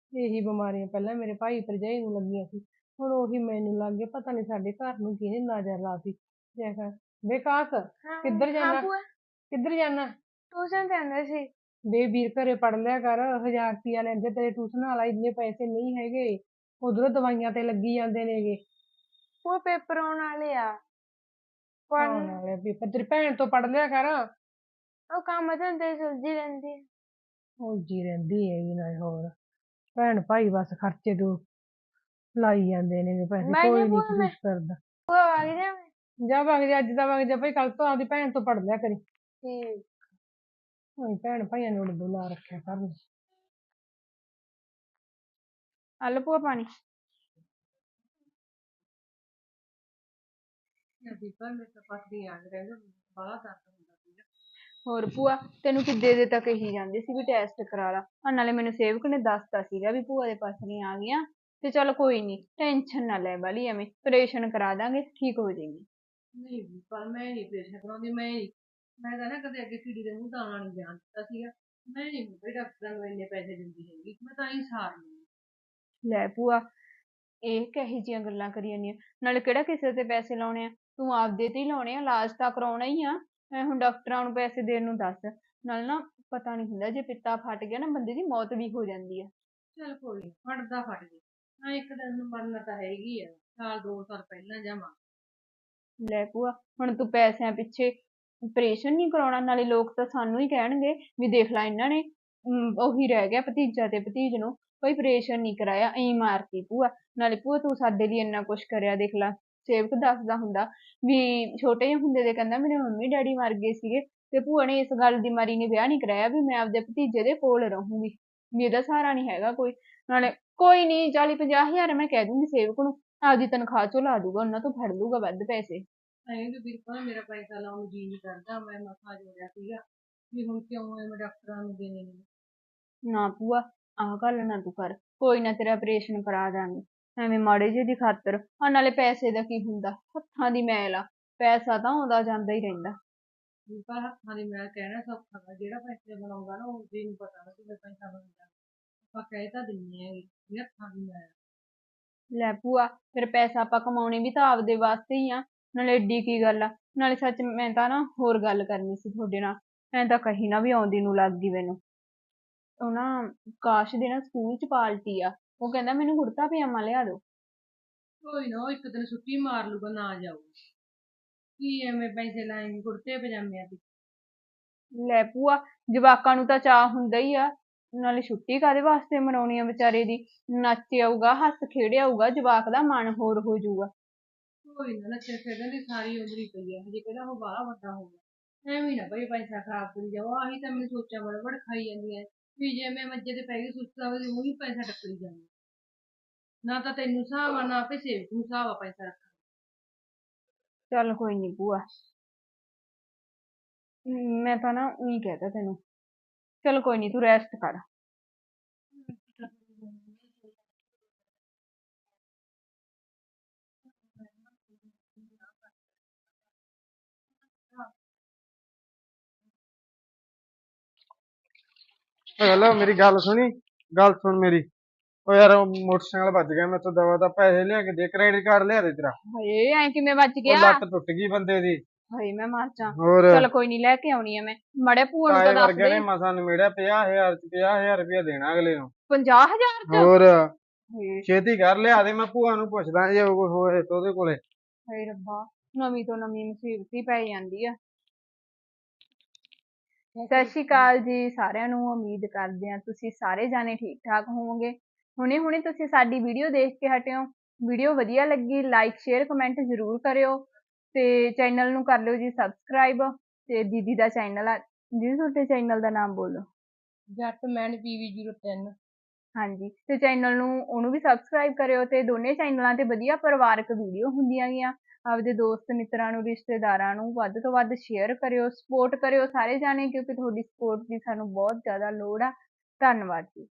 [SPEAKER 1] ਇਹੀ ਬਿਮਾਰੀਆਂ ਪਹਿਲਾਂ ਮੇਰੇ ਭਾਈ ਭਰਜਾਈ ਨੂੰ ਲੱਗੀਆਂ ਸੀ, ਹੁਣ ਉਹੀ ਮੈਨੂੰ ਲੱਗ ਗਿਆ। ਪਤਾ ਨੀ ਸਾਡੇ ਘਰ ਨੂੰ ਕਿਹਨੇ ਨਜ਼ਰ ਲਾਤੀ। ਦੇਖ ਵਿਕਾਸ, ਕਿੱਧਰ ਜਾਣਾ? ਕਿੱਧਰ ਜਾਣਾ?
[SPEAKER 3] ਟਿਊਸ਼ਨ ਜਾਂਦੇ ਸੀ।
[SPEAKER 1] ਵੇ ਵੀਰ ਘਰੇ ਪੜ ਲਿਆ ਕਰ, 1000 ਰੁਪਿਆ ਲੈਂਦੇ ਤੇਰੇ ਟਿਊਸ਼ਨ ਵਾਲਾ, ਇੰਨੇ ਪੈਸੇ ਨਹੀਂ ਹੈਗੇ। ਉਧਰੋਂ ਦਵਾਈਆਂ ਤੇ ਲੱਗੀ ਜਾਂਦੇ ਨੇਗੇ।
[SPEAKER 3] ਉਹ ਪੇਪਰ ਆਉਣ ਵਾਲੇ ਆ।
[SPEAKER 1] ਆਉਣ ਵਾਲੇ ਪੇਪਰ, ਤੇਰੀ ਭੈਣ ਤੋਂ ਪੜ ਲਿਆ ਕਰ।
[SPEAKER 3] ਉਹ ਕੰਮ ਧੰਦੇ ਚ ਉਲਝੀ ਰਹਿੰਦੀ ਆ।
[SPEAKER 1] ਉਲਝੀ ਰਹਿੰਦੀ ਹੈਗੀ ਨਾ ਹੋਰ। ਭੈਣ ਭਾਈ ਬਸ ਖਰਚੇ ਤੋਂ ਲਾਈ ਜਾਂਦੇ ਨੇ ਪੈਸੇ, ਕੋਈ ਨੀ ਕੁਛ ਕਰਦਾ। ਜਾ ਵਗ ਜਾ, ਅੱਜ ਦਾ ਵਗ ਜਾ ਭਾਈ, ਕੱਲ ਤੋਂ ਆਪਦੀ ਭੈਣ ਤੋਂ ਪੜ ਲਿਆ ਕਰੀ।
[SPEAKER 3] ਠੀਕ।
[SPEAKER 1] ਭੈਣ ਭਾਈਆਂ ਨੂੰ ਉਰਦੂ ਲਾ ਰੱਖਿਆ ਕਰਨ।
[SPEAKER 3] ਆ ਲਓ ਭੂਆ ਪਾਣੀ। ਹੋਰ ਭੂਆ, ਤੈਨੂੰ ਕਿੱਦੇ ਦੇ ਤਾਂ ਕਹੀ ਜਾਂਦੇ ਸੀ ਵੀ ਟੈਸਟ ਕਰਾ ਲਾ। ਨਾਲੇ ਮੈਨੂੰ ਸੇਵਕ ਨੇ ਦੱਸਤਾ ਸੀਗਾ ਵੀ ਭੂਆ ਦੇ ਪੱਥਰੀਆਂ ਆ ਗਈਆਂ। ਤੇ ਚੱਲ ਕੋਈ ਨੀ, ਟੈਨਸ਼ਨ ਨਾ ਲੈ ਵਾਲੀ, ਐਵੇਂ ਆਪਰੇਸ਼ਨ ਕਰਾ ਦਾਂਗੇ, ਠੀਕ ਹੋ ਜਾਏਗੀ।
[SPEAKER 1] ਨਹੀਂ ਪਰ ਮੈਂ ਨੀ ਆਪਰੇਸ਼ਨ ਕਰਾਉਂਦੀ। ਮੈਂ ਤਾਂ ਨਾ ਕਦੇ ਅੱਗੇ ਕੁੜੀ ਦੇ ਮੂੰਹ ਦਾਣਾ ਨੀ ਜਾਣ ਦਿੱਤਾ ਸੀਗਾ। ਮੈਂ ਨੀ ਬਈ ਡਾਕਟਰਾਂ ਨੂੰ ਇੰਨੇ ਪੈਸੇ ਦਿੰਦੀ ਹੈਗੀ, ਮੈਂ ਤਾਂ ਹੀ ਸਾਰ ਲਈ।
[SPEAKER 3] ਲੈ ਭੂਆ, ਇਹ ਕਿਹੋ ਜਿਹੀਆਂ ਗੱਲਾਂ ਕਰੀ ਜਾਂਦੀਆਂ? ਨਾਲੇ ਕਿਹੜਾ ਕਿਸੇ ਤੇ ਪੈਸੇ ਲਾਉਣੇ ਆ, ਤੂੰ ਆਪਦੇ ਤੇ ਹੀ ਲਾਉਣੇ ਆ, ਇਲਾਜ ਤਾਂ ਕਰਾਉਣਾ ਹੀ ਆ। ਹੁਣ ਡਾਕਟਰਾਂ ਨੂੰ ਪੈਸੇ ਦੇਣ ਨੂੰ ਦੱਸ। ਨਾਲ ਨਾ ਪਤਾ ਨੀ ਹੁੰਦਾ, ਜੇ ਪਿੱਤਾ ਫਟ ਗਿਆ ਨਾ ਬੰਦੇ ਦੀ ਮੌਤ ਵੀ ਹੋ ਜਾਂਦੀ ਆ।
[SPEAKER 1] ਚੱਲ ਕੋਈ ਨੀ, ਫਟਦਾ ਫਟ ਜੇ, ਹਾਂ ਇੱਕ ਦਿਨ ਨੂੰ ਮਰਨਾ ਤਾਂ ਹੈਗੀ ਆ, ਸਾਲ 2 ਸਾਲ ਪਹਿਲਾਂ ਜਾਵਾਂ।
[SPEAKER 3] ਲੈ ਭੂਆ, ਹੁਣ ਤੂੰ ਪੈਸਿਆਂ ਪਿੱਛੇ ਆਪਰੇਸ਼ਨ ਨਹੀਂ ਕਰਾਉਣਾ? ਨਾਲੇ ਲੋਕ ਤਾਂ ਸਾਨੂੰ ਹੀ ਕਹਿਣਗੇ ਵੀ ਦੇਖ ਲੈ ਇਹਨਾਂ ਨੇ ਉਹੀ ਰਹਿ ਗਿਆ ਭਤੀਜਾ ਤੇ ਭਤੀਜ ਨੂੰ, ਕੋਈ ਆਪਰੇਸ਼ਨ ਨਹੀਂ ਕਰਾਇਆ, ਐਂ ਮਾਰਤੀ ਭੂਆ। ਨਾਲੇ ਭੂਆ ਤੂੰ ਸਾਡੇ ਲਈ ਇੰਨਾ ਕੁਛ ਕਰਿਆ, ਦੇਖ ਲੈ ਸੇਵਕ ਦੱਸਦਾ ਹੁੰਦਾ ਵੀ ਛੋਟੇ ਜਿਹੇ ਹੁੰਦੇ ਦੇ ਕਹਿੰਦਾ ਮੇਰੇ ਮੰਮੀ ਡੈਡੀ ਮਰ ਗਏ ਸੀਗੇ, ਤੇ ਭੂਆ ਨੇ ਇਸ ਗੱਲ ਦੀ ਮਾਰੀ ਨੇ ਵਿਆਹ ਨਹੀਂ ਕਰਾਇਆ ਵੀ ਮੈਂ ਆਪਦੇ ਭਤੀਜੇ ਦੇ ਕੋਲ ਰਹੂੰਗੀ, ਵੀ ਇਹਦਾ ਸਹਾਰਾ ਨਹੀਂ ਹੈਗਾ ਕੋਈ। ਨਾਲੇ ਕੋਈ ਨੀ, 40-50 ਹਜ਼ਾਰ ਮੈਂ ਕਹਿ ਦੂੰਗੀ ਸੇਵਕ ਨੂੰ, ਆਪਦੀ ਤਨਖਾਹ ਚੋਂ ਲਾ ਦੂਗਾ, ਉਹਨਾਂ ਤੋਂ ਫੜ ਲੂਗਾ ਵੱਧ ਪੈਸੇ।
[SPEAKER 1] ਬਿਲਕੁਲ ਮੇਰਾ ਪੈਸਾ ਲਾਉਣ ਨੂੰ ਜੀ ਨਹੀਂ ਕਰਦਾ, ਮੈਂ ਮਸਾ ਜੋੜਿਆ ਸੀਗਾ ਵੀ ਹੁਣ ਕਿਉਂ ਮੈਂ ਡਾਕਟਰਾਂ ਨੂੰ ਦੇਣੇ ਨੇ।
[SPEAKER 3] ਨਾ ਭੂਆ, ਆਹ ਗੱਲ ਨਾ ਤੂੰ ਕਰ, ਕੋਈ ਨਾ ਤੇਰਾ ਆਪਰੇਸ਼ਨ ਕਰਾ ਦਾਂਗੇ, ਐਵੇਂ ਮਾੜੇ ਜਿਹੇ ਦੀ ਖਾਤਰ। ਨਾਲੇ ਪੈਸੇ ਦਾ ਕੀ ਹੁੰਦਾ, ਹੱਥਾਂ ਦੀ ਮੈਲ ਆ, ਪੈਸਾ ਤਾਂ ਆਉਂਦਾ ਜਾਂਦਾ ਹੀ ਰਹਿੰਦਾ।
[SPEAKER 1] ਪਰ ਹੱਥਾਂ ਦੀ ਮੈਲ ਕਹਿਣਾ ਸੌਖਾ ਵਾ, ਜਿਹੜਾ ਪੈਸੇ ਬਣਾਉਂਦਾ ਨਾ ਉਹ ਜੀ ਨੂੰ ਪਤਾ ਨਾ ਕਿਵੇਂ ਪੈਸਾ ਬਣਦਾ। ਆਪਾਂ ਕਹਿ ਤਾਂ ਦਿੰਦੇ ਹੈਗੇ ਵੀ ਹੱਥਾਂ ਦੀ ਮੈਲ।
[SPEAKER 3] ਲੈ ਭੂਆ, ਫਿਰ ਪੈਸਾ ਆਪਾਂ ਕਮਾਉਣੇ ਵੀ ਤਾਂ ਆਪਦੇ ਵਾਸਤੇ ਹੀ ਆ, ਨਾਲੇ ਏਡੀ ਕੀ ਗੱਲ ਆ। ਨਾਲੇ ਸੱਚ ਮੈਂ ਤਾਂ ਨਾ ਹੋਰ ਗੱਲ ਕਰਨੀ ਸੀ ਤੁਹਾਡੇ ਨਾਲ, ਐਂ ਤਾਂ ਕਹੀ ਨਾ ਵੀ ਆਉਂਦੀ ਨੂੰ ਲੱਗ ਗਈ ਮੈਨੂੰ। ਉਹ ਨਾ ਕਾਸ਼ ਦੇ ਨਾ ਸਕੂਲ ਚ ਪਾਰਟੀ ਆ, ਉਹ ਕਹਿੰਦਾ ਮੈਨੂੰ ਕੁੜਤਾ ਪਜਾਮਾ ਲਿਆ ਦੋ।
[SPEAKER 1] ਕੋਈ ਨਾ, ਉਹ ਇੱਕ ਦਿਨ ਛੁੱਟੀ ਮਾਰ ਲੂਗਾ, ਨਾ ਜਾਊ। ਕੀ ਐਵੇਂ ਪੈਸੇ ਲਾਏਂਗੇ ਕੁੜਤੇ ਪਜਾਮਿਆਂ ਤੇ?
[SPEAKER 3] ਲੈ ਭੂਆ, ਜਵਾਕਾਂ ਨੂੰ ਤਾਂ ਚਾਅ ਹੁੰਦਾ ਹੀ ਆ, ਨਾਲੇ ਛੁੱਟੀ ਕਾਹਦੇ ਵਾਸਤੇ ਮਨਾਉਣੀ ਆ ਵਿਚਾਰੇ ਦੀ, ਨੱਚ ਆਊਗਾ, ਹੱਸ ਖੇਡ ਆਊਗਾ, ਜਵਾਕ ਦਾ ਮਨ ਹੋਰ ਹੋ ਜਾਊਗਾ।
[SPEAKER 1] ਕੋਈ ਨਾ, ਨੱਚਣ ਖੇਡਣ ਦੀ ਸਾਰੀ ਉਮਰ ਹੀ ਪਈ ਆ, ਹਜੇ ਕਿਹੜਾ ਉਹ ਬਾਹਲਾ ਵੱਡਾ ਹੋ ਗਿਆ। ਐਵੇਂ ਨਾ ਬਈ ਪੈਸਾ ਖਰਾਬ ਕਰੀ ਜਾਓ, ਆਹੀ ਤਾਂ ਮੈਨੂੰ ਸੋਚਾਂ ਬੜ ਖਾਈ ਜਾਂਦੀਆਂ ਵੀ ਜੇ ਮੈਂ ਮੰਜੇ ਤੇ ਪੈ ਗਈ ਸੁੱਤਾ ਵਜੇ ਉਹੀ ਪੈਸਾ ਟੱਕਰੀ ਜਾਂਦਾ। ਨਾ ਤਾਂ ਤੈਨੂੰ ਹਿਸਾਬ ਆ, ਨਾ ਆਪੇ ਸੇਵਕ ਨੂੰ ਹਿਸਾਬ ਆ ਪੈਸਾ ਰੱਖਣ।
[SPEAKER 3] ਚੱਲ ਕੋਈ ਨੀ ਭੂਆ, ਮੈਂ ਤਾਂ ਨਾ ਉਹੀ ਕਹਿਤਾ ਤੈਨੂੰ। ਚਲ ਕੋਈ ਨੀ, ਤੂੰ ਰੈਸਟ ਕਰ।
[SPEAKER 2] ਹੈਲੋ, ਮੇਰੀ ਗੱਲ ਸੁਣੀ, ਗੱਲ ਸੁਣ ਮੇਰੀ। ਉਹ ਯਾਰ ਉਹ ਮੋਟਰਸਾਈਕਲ ਵੱਜ ਗਿਆ ਮੇਰੇ ਤੋਂ, ਦਵਾ ਦਾ ਪੈਸੇ ਲਿਆ ਕੇ ਦੇ, ਕ੍ਰੈਡਿਟ ਕਾਰਡ ਲਿਆ ਦੇ ਤੇਰਾ।
[SPEAKER 3] ਹਾਏ, ਐ ਕਿਵੇਂ ਵੱਜ
[SPEAKER 2] ਉਹ
[SPEAKER 3] ਗਿਆ?
[SPEAKER 2] ਲੱਤ ਟੁੱਟ ਗਈ ਬੰਦੇ ਦੀ।
[SPEAKER 3] ਹਾਏ ਮੈਂ ਮਰ ਜਾ।
[SPEAKER 2] ਹੋਰ
[SPEAKER 3] ਚਲ ਕੋਈ ਨੀ, ਲੈ ਕੇ ਆਉਣੀ ਆ ਮੈਂ, ਮੜੇ ਭੂਆ ਨੂੰ
[SPEAKER 2] ਤਾਏ
[SPEAKER 3] ਤਾਂ ਦੱਸ
[SPEAKER 2] ਵਰਗੇ
[SPEAKER 3] ਦੇ।
[SPEAKER 2] ਨੇ ਮਸਾਂ ਨਿਮੇੜਿਆ 50,000 ਚ, 50,000 ਰੁਪਇਆ ਦੇਣਾ ਅਗਲੇ ਨੂੰ।
[SPEAKER 3] 50,000 ਚ?
[SPEAKER 2] ਹੋਰ
[SPEAKER 3] ਹਾਏ
[SPEAKER 2] ਛੇਤੀ ਕਰ ਲਿਆ ਦੇ, ਮੈਂ ਭੂਆ ਨੂੰ ਪੁੱਛਦਾ ਜੇ ਉਹ ਹੋਏ ਤਾਂ ਉਹਦੇ ਕੋਲੇ।
[SPEAKER 3] ਹਾਏ ਰੱਬਾ, ਨਵੀਂ ਤੋਂ ਨਵੀਂ ਮੁਸੀਬਤ ਹੀ ਪੈ ਜਾਂਦੀ ਆ। ਸਤਿ ਸ਼੍ਰੀ ਅਕਾਲ ਜੀ ਸਾਰਿਆਂ ਨੂੰ, ਉਮੀਦ ਕਰਦੇ ਹਾਂ ਤੁਸੀਂ ਸਾਰੇ ਜਾਣੇ ਠੀਕ ਠਾਕ ਹੋਵੋਗੇ। ਹੁਣੇ ਹੁਣੇ ਤੁਸੀਂ ਸਾਡੀ ਵੀਡੀਓ ਦੇਖ ਕੇ ਹਟਿਓ, ਵੀਡੀਓ ਵਧੀਆ ਲੱਗੀ ਲਾਈਕ ਸ਼ੇਅਰ ਕਮੈਂਟ ਜ਼ਰੂਰ ਕਰਿਓ, ਤੇ ਚੈਨਲ ਨੂੰ ਕਰ ਲਿਓ ਜੀ ਸਬਸਕ੍ਰਾਈਬ। ਤੇ ਦੀਦੀ ਦਾ ਚੈਨਲ ਆ, ਦੀਦੀ ਤੁਹਾਡੇ ਚੈਨਲ ਦਾ ਨਾਮ ਬੋਲੋ।
[SPEAKER 1] ਜੱਟਮੈਨ PV03।
[SPEAKER 3] ਹਾਂਜੀ, ਤੇ ਚੈਨਲ ਨੂੰ ਉਹਨੂੰ ਵੀ ਸਬਸਕ੍ਰਾਈਬ ਕਰਿਓ, ਤੇ ਦੋਨੇ ਚੈਨਲਾਂ ਤੇ ਵਧੀਆ ਪਰਿਵਾਰਕ ਵੀਡੀਓ ਹੁੰਦੀਆਂ ਗੀਆਂ। ਆਪਦੇ ਦੋਸਤ ਮਿੱਤਰਾਂ ਨੂੰ, ਰਿਸ਼ਤੇਦਾਰਾਂ ਨੂੰ ਵੱਧ ਤੋਂ ਵੱਧ ਸ਼ੇਅਰ ਕਰਿਓ, ਸਪੋਰਟ ਕਰਿਓ ਸਾਰੇ ਜਾਣੇ, ਕਿਉਂਕਿ ਤੁਹਾਡੀ ਸਪੋਰਟ ਦੀ ਸਾਨੂੰ ਬਹੁਤ ਜ਼ਿਆਦਾ ਲੋੜ ਆ। ਧੰਨਵਾਦ ਜੀ।